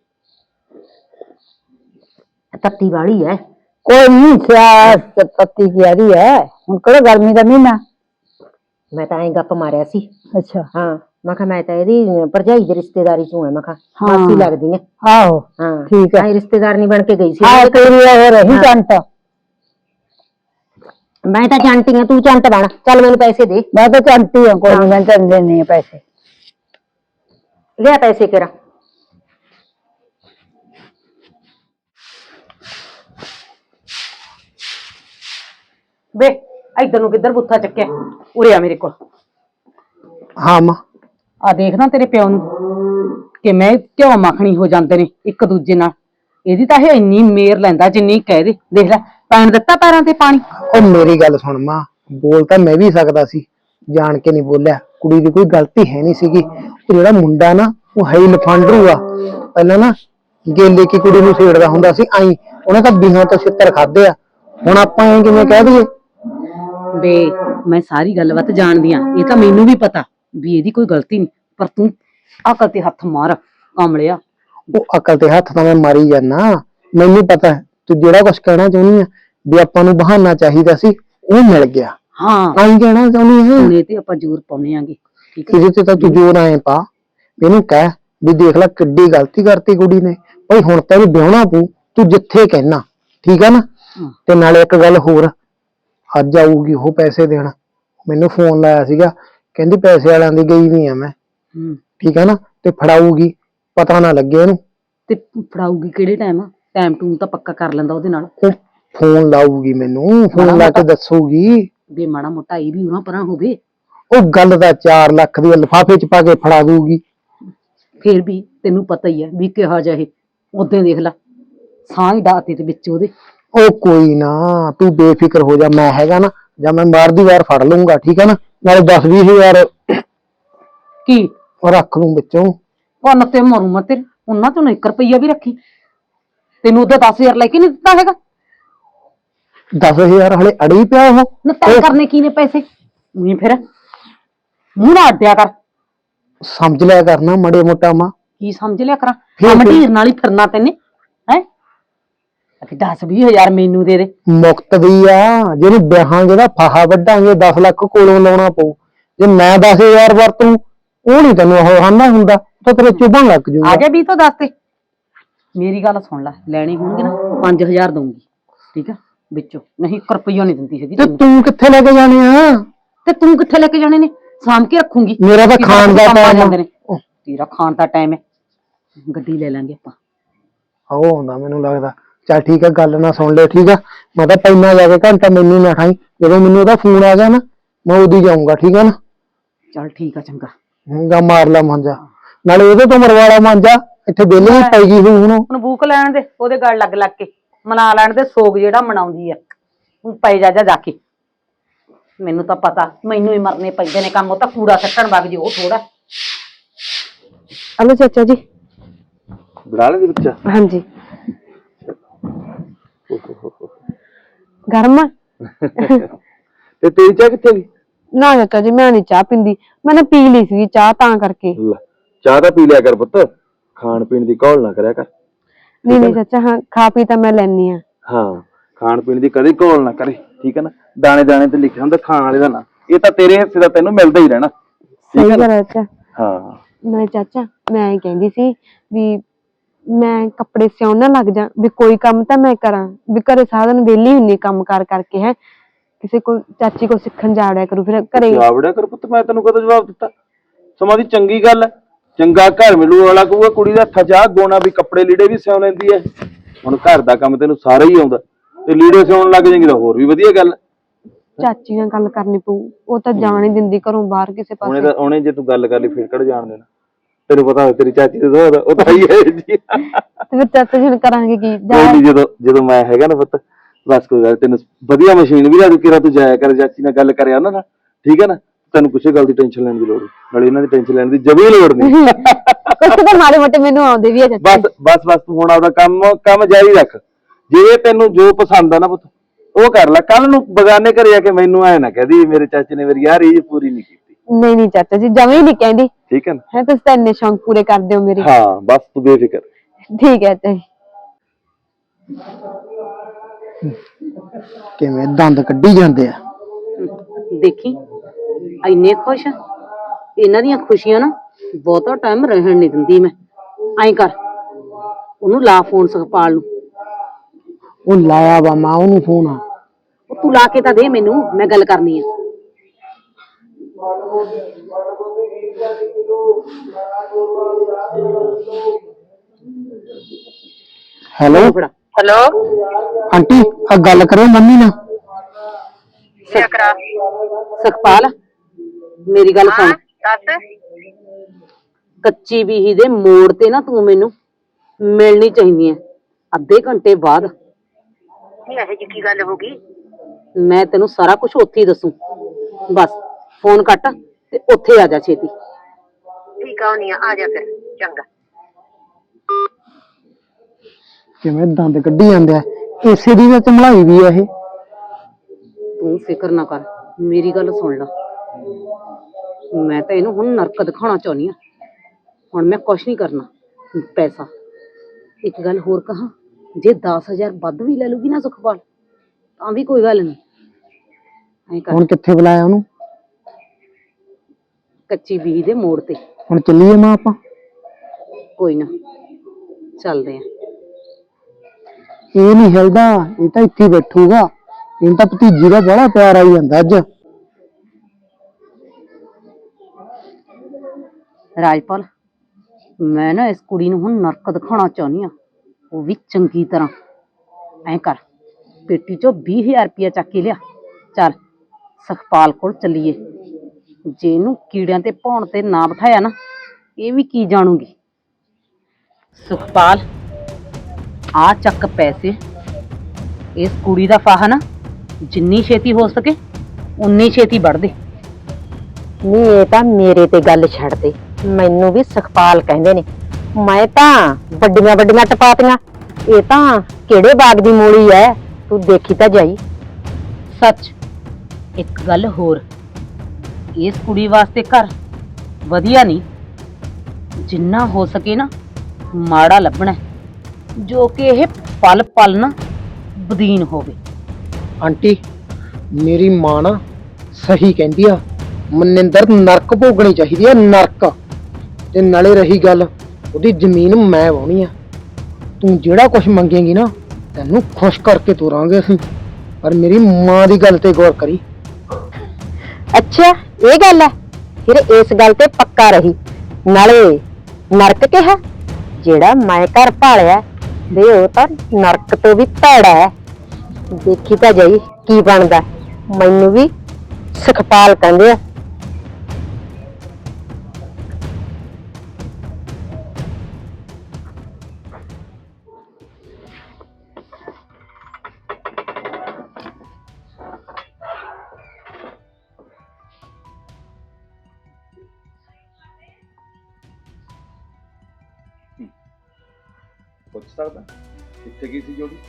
C: ਤੱਤੀ ਵਾਲੀ ਐ।
D: ਕੋਈ ਨਹੀਂ ਸਿਆ ਪੱਤੀ ਕੀ ਆ ਰਹੀ ਹੈ ਹੁਣ, ਕਿਹੜਾ ਗਰਮੀ ਦਾ ਮਹੀਨਾ।
C: ਮੈਂ ਤਾਂ ਐਂ ਗੱਪ ਮਾਰਿਆ ਸੀ।
D: ਅੱਛਾ
C: ਹਾਂ ਮੈਂ ਕਿਹਾ ਮੈਂ ਤਾਂ ਇਹਦੀ ਭਰਜਾਈ ਦੀ ਰਿਸ਼ਤੇਦਾਰੀ ਚੋਂ ਐ, ਮੈਂ ਕਿਹਾ
D: ਹਾਂ।
C: ਮਾਸੀ ਲੱਗਦੀ ਐ।
D: ਆਹੋ
C: ਹਾਂ
D: ਠੀਕ ਹੈ।
C: ਐਂ ਰਿਸ਼ਤੇਦਾਰ ਨਹੀਂ ਬਣ ਕੇ ਗਈ ਸੀ।
D: ਹਾਂ ਤੇਰੀ ਹੋ ਰਹੀ
C: ਹਾਂ।
D: ਚੰਟ।
C: ਮੈਂ ਤਾਂ ਚੰਟੀ ਆ, ਤੂੰ ਚੰਟ ਬਣ। ਚੱਲ ਮੈਨੂੰ ਪੈਸੇ ਦੇ।
D: ਮੈਂ ਤਾਂ ਚੰਟੀ ਹਾਂ, ਕੋਈ ਨੀ ਮੈਂ ਤੈਨੂੰ ਦੇਣੀ ਆ ਪੈਸੇ।
C: ਲਿਆ ਪੈਸੇ ਕਿਹੜਾ। ਵੇ ਇੱਧਰ ਨੂੰ ਕਿੱਧਰ ਬੁੱਥਾ ਚੱਕਿਆ, ਉਰੇ ਆ ਮੇਰੇ ਕੋਲ।
E: ਹਾਂ ਮਾਂ।
B: ਆ ਦੇਖ ਨਾ ਤੇਰੇ ਪਿਓ ਨੂੰ ਕਿਵੇਂ ਘਿਓ ਮੱਖਣੀ ਹੋ ਜਾਂਦੇ ਨੇ ਇੱਕ ਦੂਜੇ ਨਾਲ। ਇਹਦੀ ਤਾਂ ਇਹ ਇੰਨੀ ਮੇਰ ਲੈਂਦਾ ਜਿੰਨੀ ਕਹਿ ਦੇ। ਦੇਖ ਲੈ ਪੈਣ ਦਿੱਤਾ ਪੈਰਾਂ ਤੇ ਪਾਣੀ।
E: ਉਹ ਮੇਰੀ ਗੱਲ ਸੁਣ ਮਾਂ, ਬੋਲ ਤਾਂ ਮੈਂ ਵੀ ਸਕਦਾ ਸੀ, ਜਾਣ ਕੇ ਨਹੀਂ ਬੋਲਿਆ। ਕੁੜੀ ਦੀ ਕੋਈ ਗਲਤੀ ਹੈ ਨਹੀਂ ਸੀਗੀ। ਉਹ ਜਿਹੜਾ ਮੁੰਡਾ ਨਾ ਉਹ ਹੈ ਹੀ ਲਫਾਂਡਰੂ ਆ। ਪਹਿਲਾਂ ਨਾ ਗੇਲੇ ਕੀ ਕੁੜੀ ਨੂੰ ਛੇੜਦਾ ਹੁੰਦਾ ਸੀ ਆਈ, ਉਹਨੇ ਤਾਂ ਬਿਹਾਂ ਤੋਂ ਛਿੱਤਰ ਖਾਦੇ ਆ। ਹੁਣ ਆਪਾਂ ਐਂ ਕਿਵੇਂ ਕਹਿ ਦਈਏ।
B: ਵੇ ਮੈਂ ਸਾਰੀ ਗੱਲਬਾਤ ਜਾਣਦੀ ਆ, ਇਹ ਤਾਂ ਮੈਨੂੰ ਵੀ ਪਤਾ ਵੀ ਇਹਦੀ ਕੋਈ ਗਲਤੀ ਨਹੀਂ, ਪਰ ਤੂੰ ਅਕਲ ਤੇ ਹੱਥ ਮਾਰ ਕਾਮਲਿਆ।
E: ਉਹ ਅਕਲ ਤੇ ਹੱਥ ਤਾਂ ਮੈਂ ਮਾਰੀ ਜਾਨਾ, ਮੈਨੂੰ ਪਤਾ ਤੂੰ ਜਿਹੜਾ ਕੁਛ ਕਹਿਣਾ ਚਾਹੁੰਦੀ ਆ ਵੀ ਆਪਾਂ ਨੂੰ ਬਹਾਨਾ ਚਾਹੀਦਾ ਸੀ, ਉਹ ਮਿਲ ਗਿਆ।
B: ਹਾਂ
E: ਆਈ ਕਹਿਣਾ ਚਾਹੁੰਦੀ ਹੈ।
B: ਹੁਣ ਇਹ ਤੇ ਆਪਾਂ ਜ਼ੋਰ ਪਾਉਣੇ ਆਂਗੇ, ਠੀਕ ਹੈ।
E: ਇਹਦੇ ਤੇ ਤਾਂ ਤੂੰ ਜੋਰ ਆਏ ਪਾ, ਇਹਨੂੰ ਕਹਿ ਵੀ ਦੇਖ ਲੈ ਕਿੱਡੀ ਗਲਤੀ ਕਰਤੀ ਕੁੜੀ ਨੇ ਭਾਈ, ਹੁਣ ਤਾਂ ਵੀ ਵਿਆਹਣਾ ਪਊ, ਤੂੰ ਜਿੱਥੇ ਕਹਿਣਾ ਠੀਕ ਆ ਨਾ। ਤੇ ਨਾਲੇ ਇੱਕ ਗੱਲ ਹੋਰ, ਅੱਜ ਆਊਗੀ ਉਹ ਪੈਸੇ ਦੇਣ। ਮੈਨੂੰ ਫੋਨ ਲਾਇਆ ਸੀਗਾ, ਕਹਿੰਦੀ ਪੈਸੇ ਵਾਲਿਆਂ ਦੀ ਗਈ ਵੀ ਆ ਮੈਂ, ਠੀਕ ਆ ਨਾ, ਤੇ ਫੜਾਊਗੀ, ਪਤਾ ਨਾ ਲੱਗੇ ਇਹਨੂੰ।
B: ਤੇ ਫੜਾਊਗੀ ਕਿਹੜੇ ਟਾਈਮ? ਟਾਈਮ ਟੂਮ ਤਾਂ ਪੱਕਾ ਕਰ ਲੈਂਦਾ ਉਹਦੇ ਨਾਲ।
E: ਉਹ ਫੋਨ ਲਾਊਗੀ ਮੈਨੂੰ, ਫੋਨ ਲਾ ਕੇ ਦੱਸੂਗੀ।
B: ਵੀ ਮਾੜਾ ਮੋਟਾ ਇਹ ਵੀ ਉਹਨਾਂ ਪਰਾਂ ਹੋਵੇ।
E: ਉਹ ਗੱਲ ਦਾ ਚਾਰ ਲੱਖ ਦੀ ਲਿਫਾਫੇ ਚ ਪਾ ਕੇ ਫੜਾ ਦੂਗੀ।
B: ਫੇਰ ਵੀ ਤੈਨੂੰ ਪਤਾ ਹੀ ਹੈ ਵੀ ਕਿਹਾ ਜਾਏ, ਉਦੋਂ ਦੇਖ ਲੈ ਸਾਹ ਹੀ ਡਾਤੇ ਤੇ ਵਿੱਚ ਉਹਦੇ।
E: ਉਹ ਕੋਈ ਨਾ, ਤੂੰ ਬੇਫਿਕਰ ਹੋ ਜਾ, ਮੈਂ ਹੈਗਾ ਨਾ, ਜਾਂ ਮੈਂ ਮਾਰਦੀ ਵਾਰ ਫੜ ਲਊਂਗਾ, ਠੀਕ ਹੈ ਨਾ। ਨਾਲੇ ਦਸ ਵੀਹ ਹਜ਼ਾਰ
B: ਕੀ
E: ਰੱਖ ਲੂੰ ਵਿੱਚੋਂ।
B: ਕੰਨ ਤੇ ਮਾਰੂ ਮੈਂ ਤੇਰੇ, ਉਹਨਾਂ ਚੋਂ ਇੱਕ ਰੁਪਈਆ ਵੀ ਰੱਖੀ। ਤੈਨੂੰ ਉਹਦਾ ਦਸ ਹਜ਼ਾਰ ਲੈ ਕੇ ਨੀ ਦਿੱਤਾ ਹੈਗਾ।
E: ਦਸ ਹਜ਼ਾਰ ਹਲੇ ਅੜੀ ਪਿਆ ਉਹ।
B: ਨਾ ਤੈਅ ਕਰਨੇ ਕੀ ਨੇ ਪੈਸੇ? ਨਹੀਂ ਫਿਰ ਮੂੰਹ ਨਾ ਅੱਡਿਆ ਕਰ।
E: ਸਮਝ ਲਿਆ ਕਰਨਾ ਮੜੇ ਮੋਟਾ ਮਾਂ।
B: ਕੀ ਸਮਝ ਲਿਆ ਕਰਾਂ? ਮੰਡੀਰ ਨਾਲ ਹੀ ਫਿਰਨਾ ਤੈਨੇ ਹੈ। ਦਸ ਵੀਹ ਹਜ਼ਾਰ ਮੈਨੂੰ ਦੇ ਦੇ।
E: ਮੁਕਤ ਦੀ ਆ, ਜਿਹਨੂੰ ਵਿਆਹਾਂਗੇ ਦਾ ਫਾਹਾ ਵੱਢਾਂਗੇ, ਦਸ ਲੱਖ ਕੋਲੋਂ ਲਾਉਣਾ ਪਊ। ਜੇ ਮੈਂ ਦਸ ਹਜ਼ਾਰ ਵਰਤੂ, ਉਹ ਨੀ ਤੈਨੂੰ ਉਹ ਹਾਨਾ ਹੁੰਦਾ, ਤਾਂ ਤੇਰੇ ਚੁਭਣ ਲੱਗ ਜੂਗਾ।
B: ਆ ਗਿਆ ਵੀ ਤੋਂ ਦੱਸ ਤੇ ਮੇਰੀ ਗੱਲ ਸੁਣ ਲੈ, ਲੈਣੇ ਹੋਣਗੇ ਨਾ ਪੰਜ ਹਜ਼ਾਰ ਦਊਂਗੀ, ਠੀਕ ਆ, ਵਿੱਚੋਂ ਨਹੀਂ ਇੱਕ ਰੁਪਈਆ ਨਹੀਂ ਦਿੰਦੀ ਹੈਗੀ।
E: ਤੇ ਤੂੰ ਕਿੱਥੇ ਲੈ ਕੇ ਜਾਣੇ ਆ?
B: ਤੇ ਤੂੰ ਕਿੱਥੇ ਲੈ ਕੇ ਜਾਣੇ ਨੇ? ਸਾਂਭ ਕੇ ਰੱਖੂੰਗੀ।
E: ਮੇਰਾ ਤਾਂ ਖਾਣ ਦਾ ਟਾਈਮ ਹੈ।
B: ਤੇਰਾ ਖਾਣ ਦਾ ਟਾਈਮ ਹੈ, ਗੱਡੀ ਲੈ ਲਾਂਗੇ ਆਪਾਂ।
E: ਉਹ ਆਉਂਦਾ ਮੈਨੂੰ ਲੱਗਦਾ। ਚੱਲ ਠੀਕ ਹੈ, ਗੱਲ ਨਾ ਸੁਣ ਲੈ, ਠੀਕ ਆ। ਮੈਂ ਤਾਂ ਪਹਿਲਾਂ ਜਾ ਕੇ ਘੰਟਾ ਮੈਨੂੰ ਨਾ ਖਾਈ, ਜਦੋਂ ਮੈਨੂੰ ਉਹਦਾ ਫੋਨ ਆ ਗਿਆ ਨਾ ਮੈਂ ਉਦੋਂ ਜਾਊਂਗਾ, ਠੀਕ ਆ ਨਾ।
B: ਚੱਲ ਠੀਕ ਆ, ਚੰਗਾ।
E: ਗਾ ਮਾਰ ਲਾ ਮਾਂਜਾ, ਨਾਲੇ ਉਹਦੇ ਤੋਂ ਮਰਵਾਲਾ ਮਾਂਜਾ, ਇੱਥੇ ਵਿਹਲੇ ਹੀ ਪੈ ਗਈ ਹੋਈ ਹੁਣ।
B: ਹੁਣ ਬੂਕ ਲੈਣ ਦੇ, ਉਹਦੇ ਗੱਲ ਲੱਗ ਲੱਗ ਕੇ ਮਨਾ ਲੈਣ ਦੇ, ਸੋਗ ਜਿਹੜਾ ਮਨਾਉਂਦੀ ਆ। ਹੁਣ ਪੈ ਜਾ ਜਾ ਜਾ ਕੇ। ਮੈਨੂੰ ਤਾਂ ਪਤਾ ਮੈਨੂੰ ਹੀ ਮਰਨੇ ਪੈਂਦੇ ਨੇ ਕੰਮ। ਉਹ ਤਾਂ ਕੂੜਾ ਸੱਟਣ ਵਗ ਜੀ, ਉਹ ਥੋੜਾ।
A: ਹਲੋ ਚਾਚਾ ਜੀ।
F: ਬਣਾ ਲੈ ਬੱਚਾ।
A: ਹਾਂਜੀ ਗਰਮ ਆ?
F: ਤੇ ਤੇਰੀ ਚਾਹ ਕਿੱਥੇ ਗਈ?
A: ਨਾ ਚਾਚਾ ਜੀ ਮੈਂ ਨਹੀਂ ਚਾਹ ਪੀਂਦੀ, ਮੈਂ ਨਾ ਪੀ ਲਈ ਸੀ ਚਾਹ ਤਾਂ ਕਰਕੇ।
F: ਲੈ, ਚਾਹ ਤਾਂ ਪੀ ਲਿਆ ਕਰ ਪੁੱਤ, ਖਾਣ ਪੀਣ ਦੀ ਘੋਲ ਨਾ ਕਰਿਆ ਕਰ।
A: ਨਹੀਂ ਨਹੀਂ ਚਾਚਾ, ਹਾਂ ਖਾ ਪੀ ਤਾਂ ਮੈਂ ਲੈਣੀ ਆ।
F: ਹਾਂ, ਖਾਣ ਪੀਣ ਦੀ ਕਦੇ ਘੋਲ ਨਾ ਕਰੇ, ਠੀਕ ਹੈ ਨਾ। ਦਾਣੇ ਦਾਣੇ ਤੇ ਲਿਖਿਆ ਹੁੰਦਾ ਖਾਣ ਵਾਲੇ ਦਾ ਨਾਂ, ਇਹ ਤਾਂ ਤੇਰੇ ਹਿੱਸੇ ਦਾ ਤੈਨੂੰ ਮਿਲਦਾ ਹੀ ਰਹਿਣਾ।
A: ਸਹੀ ਗੱਲ ਹੈ ਚਾਚਾ।
F: ਹਾਂ
A: ਨਹੀਂ ਚਾਚਾ, ਮੈਂ ਕਹਿੰਦੀ ਸੀ ਵੀ ਮੈਂ ਕੱਪੜੇ ਸਿਉਣ ਨਾ ਲੱਗ ਜਾ, ਵੀ ਕੋਈ ਕੰਮ ਤਾਂ ਮੈਂ ਕਰਾਂ, ਵੀ ਘਰੇ ਸਾਰਾ ਦਿਨ ਵਿਹਲੀ ਹੁੰਨੀ ਕੰਮ ਕਾਰ ਕਰਕੇ। ਹੈ ਕਿਸੇ ਕੋਲ ਚਾਚੀ ਕੋਲ ਸਿੱਖਣ ਜਾੜਿਆ ਕਰੂ ਫਿਰ ਘਰੇ।
F: ਜਾਵੜਿਆ ਕਰ ਪੁੱਤ, ਮੈਂ ਤੈਨੂੰ ਕਦੋਂ ਜਵਾਬ ਦਿੱਤਾ? ਸਮਾਂ ਦੀ ਚੰਗੀ ਗੱਲ ਹੈ, ਚੰਗਾ ਘਰ ਮਿਲੂ। ਵਾਲਾ ਕਹੂਗਾ ਕੁੜੀ ਦਾ ਹੱਥਾਂ 'ਚ ਆਹ ਗੋਣਾ ਵੀ ਕੱਪੜੇ ਲੀੜੇ ਵੀ ਸਿਉਂ ਲੈਂਦੀ ਹੈ। ਹੁਣ ਘਰ ਦਾ ਕੰਮ ਤੈਨੂੰ ਸਾਰਾ ਹੀ ਆਉਂਦਾ, ਤੇ ਲੀੜੇ ਸਿਉਣ ਲੱਗ ਜਾਏਗੀ ਤਾਂ ਹੋਰ ਵੀ ਵਧੀਆ ਗੱਲ।
A: ਚਾਚੀ ਨਾਲ ਗੱਲ ਕਰਨੀ ਪਊ, ਉਹ ਤਾਂ ਜਾਣ ਹੀ ਦਿੰਦੀ ਘਰੋਂ ਬਾਹਰ ਕਿਸੇ
F: ਉਹਨੇ
A: ਪਾਸੇ।
F: ਤਾਂ ਉਹਨੇ ਜੇ ਤੂੰ ਗੱਲ ਕਰ ਲਈ ਫਿਰ ਕਿਹੜਾ ਜਾਣ ਦੇਣਾ। ਤੈਨੂੰ ਪਤਾ ਹੋਵੇ ਤੇਰੀ ਚਾਚੀ ਦਾ ਸੁਭਾਅ, ਉਹ ਤਾਂ ਹੀ ਹੈ ਜੀ।
A: ਤੇ ਫਿਰ ਚਾਚਾ ਜੀ ਹੁਣ ਕਰਾਂਗੇ ਕੀ? ਜਾ
F: ਜਦੋਂ ਜਦੋਂ ਮੈਂ ਹੈਗਾ ਨਾ ਪੁੱਤ, ਬਸ ਕੋਈ ਗੱਲ, ਤੈਨੂੰ ਵਧੀਆ ਮਸ਼ੀਨ ਵੀ ਲਾ ਦੂ, ਕਿਰਾ ਤੂੰ ਜਾਇਆ ਕਰ ਚਾਚੀ ਨਾਲ ਗੱਲ ਕਰਿਆ ਉਹਨਾਂ ਨਾਲ, ਠੀਕ ਹੈ ਨਾ। ਤੈਨੂੰ ਕਿਸੇ ਗੱਲ ਦੀ ਟੈਨਸ਼ਨ ਲੈਣ ਦੀ ਲੋੜ ਨਹੀਂ, ਨਾਲੇ ਇਹਨਾਂ ਦੀ ਟੈਨਸ਼ਨ ਲੈਣ ਦੀ ਜਮੀ ਲੋੜ ਨਹੀਂ।
A: ਕੁਛ ਤਾਂ ਮਾੜੇ ਮੋਟੇ ਮੈਨੂੰ ਆਉਂਦੇ ਵੀ ਆ ਚਾਚਾ।
F: ਬਸ ਬਸ ਬਸ ਤੂੰ ਹੁਣ ਆਪਦਾ ਕੰਮ ਕੰਮ ਜਾਰੀ ਰੱਖ। ਜੇ ਤੈਨੂੰ ਜੋ ਪਸੰਦ ਆ ਨਾ ਪੁੱਤ ਉਹ ਕਰ ਲੈ। ਕੱਲ ਨੂੰ ਬਗਾਨੇ ਘਰੇ ਆ ਕੇ ਮੈਨੂੰ ਐ ਨਾ ਕਹਦੀ ਮੇਰੇ ਚਾਚੇ ਨੇ ਮੇਰੀ ਯਾਰ ਇਹ ਪੂਰੀ ਨਹੀਂ ਕੀਤੀ।
A: ਨਹੀਂ ਨਹੀਂ ਚਾਚਾ ਜੀ ਜਮੇ ਹੀ ਨਹੀਂ ਕਹਿੰਦੀ
F: ਠੀਕ ਹੈ ਨਾ?
A: ਹੈ ਤੁਸੀਂ ਤਾਂ ਇੰਨੇ ਸ਼ੌਂਕ ਪੂਰੇ ਕਰਦੇ ਹੋ ਮੇਰੇ
F: ਹਾਂ ਬਸ ਤੂੰ ਬੇਫਿਕਰ।
A: ਠੀਕ ਹੈ ਚਾਚਾ ਜੀ।
E: ਕਿਵੇਂ ਦੰਦ ਕੱਢੀ ਜਾਂਦੇ ਆ।
B: ਦੇਖੀ ਇੰਨੇ ਖੁਸ਼ ਆ। ਇਹਨਾਂ ਦੀਆਂ ਖੁਸ਼ੀਆਂ ਨਾ ਬਹੁਤਾ ਟਾਈਮ ਰਹਿਣ ਨਹੀਂ ਦਿੰਦੀ ਮੈਂ। ਐਂ ਕਰ ਉਹਨੂੰ ਲਾ ਫੋਨ ਸੁਖਪਾਲ ਨੂੰ।
E: ਉਹ ਲਾਇਆ ਵਾ ਮਾਂ ਉਹਨੂੰ ਫੋਨ ਆ।
B: ਉਹ ਤੂੰ ਲਾ ਕੇ ਤਾਂ ਦੇ ਮੈਨੂੰ, ਮੈਂ ਗੱਲ ਕਰਨੀ ਆ।
E: ਹੈਲੋ
B: ਫੜਾ
G: हेलो
E: ਆਂਟੀ ਆ ਗੱਲ ਕਰਿਓ ਮੰਮੀ ਨਾਲ।
G: क्या करा
B: ਸੁਖਪਾਲ ਮੇਰੀ ਗੱਲ ਸੁਣ।
G: दस
B: ਕੱਚੀ ਬੀਹੀ ਦੇ ਮੋੜ ਤੇ ਨਾ ਤੂੰ ਮੈਨੂੰ ਮਿਲਣੀ ਚਾਹੀਦੀ ਹੈ ਅੱਧੇ ਘੰਟੇ ਬਾਅਦ।
G: ਇਹ ਜੀ ਕੀ ਗੱਲ ਹੋ ਗਈ?
B: ਮੈਂ ਤੈਨੂੰ ਸਾਰਾ ਕੁਝ ਉੱਥੇ ਹੀ ਦੱਸੂ। ਬਸ ਫੋਨ ਕੱਟ ਤੇ ਉੱਥੇ ਆ ਜਾ ਛੇਤੀ।
G: ठीक है नहीं आ जा फिर चंगा।
E: ਕਿਵੇਂ ਦੰਦ ਕੱਢੀ ਜਾਂਦੇ ਆ। ਇਸੇ ਦੀ ਵਿੱਚ ਮਲਾਈ ਵੀ ਆ ਇਹ।
B: ਤੂੰ ਫਿਕਰ ਨਾ ਕਰ, ਮੇਰੀ ਗੱਲ ਸੁਣ ਲੈ। ਮੈਂ ਤਾਂ ਇਹਨੂੰ ਹੁਣ ਨਰਕ ਦਿਖਾਉਣਾ ਚਾਹੁੰਦੀ ਆ। ਹੁਣ ਮੈਂ ਕੁਛ ਨਹੀਂ ਕਰਨਾ। ਪੈਸਾ ਇੱਕ ਗੱਲ ਹੋਰ ਕਹਾਂ, ਜੇ ਦਸ ਹਜ਼ਾਰ ਵੱਧ ਵੀ ਲੈ ਲੂਗੀ ਨਾ ਸੁਖਪਾਲ ਤਾਂ ਵੀ ਕੋਈ ਗੱਲ ਨਹੀਂ। ਐਂ ਕਰ
E: ਹੁਣ ਕਿੱਥੇ ਬੁਲਾਇਆ ਉਹਨੂੰ?
B: ਕੱਚੀ ਬੀਹੀ ਦੇ ਮੋੜ ਤੇ।
E: ਹੁਣ ਚੱਲੀਏ ਮਾਂ ਆਪਾਂ?
B: ਕੋਈ ਨਾ ਚੱਲਦੇ ਆ।
E: ਇਹ ਨਹੀਂ ਹਿਲਦਾ, ਇਹ ਤਾਂ ਇੱਥੇ ਹੀ ਬੈਠੂਗਾ। ਇਹਨੂੰ ਤਾਂ ਭਤੀਜੀ ਦਾ ਬੜਾ ਪਿਆਰ ਆਈ ਜਾਂਦਾ ਅੱਜ।
B: ਰਾਜਪਾਲ ਮੈਂ ਨਾ ਇਸ ਕੁੜੀ ਨੂੰ ਹੁਣ ਨਰਕ ਦਿਖਾਉਣਾ ਚਾਹੁੰਦੀ ਆ, ਉਹ ਵੀ ਚੰਗੀ ਤਰ੍ਹਾਂ। ਐਂ ਕਰ ਪੇਟੀ ਚੋਂ ਵੀਹ ਹਜ਼ਾਰ ਰੁਪਇਆ ਚੱਕ ਕੇ ਲਿਆ। ਚੱਲ ਸੁਖਪਾਲ ਕੋਲ ਚੱਲੀਏ। ਜੇ ਇਹਨੂੰ ਕੀੜਿਆਂ ਤੇ ਭੌਣ ਤੇ ਨਾ ਬਿਠਾਇਆ ਨਾ, ਇਹ ਵੀ ਕੀ ਜਾਣੂਗੀ। ਸੁਖਪਾਲ ਆ ਚੱਕ ਪੈਸੇ। ਇਸ ਕੁੜੀ ਦਾ ਫਾਹਾ ਨਾ ਜਿੰਨੀ ਛੇਤੀ ਹੋ ਸਕੇ ਉਨੀ ਛੇਤੀ ਵੱਢ ਦੇ।
C: ਨਹੀਂ ਇਹ ਤਾਂ ਮੇਰੇ ਤੇ ਗੱਲ ਛੱਡ ਦੇ। ਮੈਨੂੰ ਵੀ ਸੁਖਪਾਲ ਕਹਿੰਦੇ ਨੇ। ਮੈਂ ਤਾਂ ਵੱਡੀਆਂ ਵੱਡੀਆਂ ਟਪਾਤੀਆਂ, ਇਹ ਤਾਂ ਕਿਹੜੇ ਬਾਗ ਦੀ ਮੂਲੀ ਐ, ਤੂੰ ਦੇਖੀ ਤਾਂ ਜਾਈ।
B: ਸੱਚ ਇੱਕ ਗੱਲ ਹੋਰ, ਇਸ ਕੁੜੀ ਵਾਸਤੇ ਘਰ ਵਧੀਆ ਨਹੀਂ, ਜਿੰਨਾ ਹੋ ਸਕੇ ਨਾ ਮਾੜਾ ਲੱਭਣਾ, ਜੋ ਕਿ ਇਹ ਪਲ ਪਲ ਨਾ ਬਦੀਨ ਹੋਵੇ।
E: ਆਂਟੀ ਮੇਰੀ ਮਾਂ ਨਾ ਸਹੀ ਕਹਿੰਦੀ ਆ, ਮਨਿੰਦਰ ਨਰਕ ਭੋਗਣੀ ਚਾਹੀਦੀ ਆ, ਨਰਕ। ਤੇ ਨਾਲੇ ਰਹੀ ਗੱਲ, ਉਹਦੀ ਜ਼ਮੀਨ ਮੈਂ ਵਾਹੁਣੀ ਆ। ਤੂੰ ਜਿਹੜਾ ਕੁਝ ਮੰਗੇਂਗੀ ਨਾ ਤੈਨੂੰ ਖੁਸ਼ ਕਰਕੇ ਤੋਰਾਂਗੇ ਅਸੀਂ, ਪਰ ਮੇਰੀ ਮਾਂ ਦੀ ਗੱਲ ਤੇ ਗੌਰ ਕਰੀ।
C: ਅੱਛਾ ਇਹ ਗੱਲ ਹੈ, ਫਿਰ ਇਸ ਗੱਲ ਤੇ ਪੱਕਾ ਰਹੀ। ਨਾਲੇ ਨਰਕ ਕਿਹਾ, ਜਿਹੜਾ ਮੈਂ ਘਰ ਭਾਲਿਆ ਦੇ ਉਹ ਤਾਂ ਨਰਕ ਤੋਂ ਵੀ ਭੈੜਾ ਹੈ। ਦੇਖੀ ਤਾਂ ਜਾਈ ਕੀ ਬਣਦਾ। ਮੈਨੂੰ ਵੀ ਸੁਖਪਾਲ ਕਹਿੰਦੇ ਆ।
F: ਪੁੱਛ ਸਕਦਾ ਕਿੱਥੇ ਗਈ ਸੀ ਜੋੜੀ?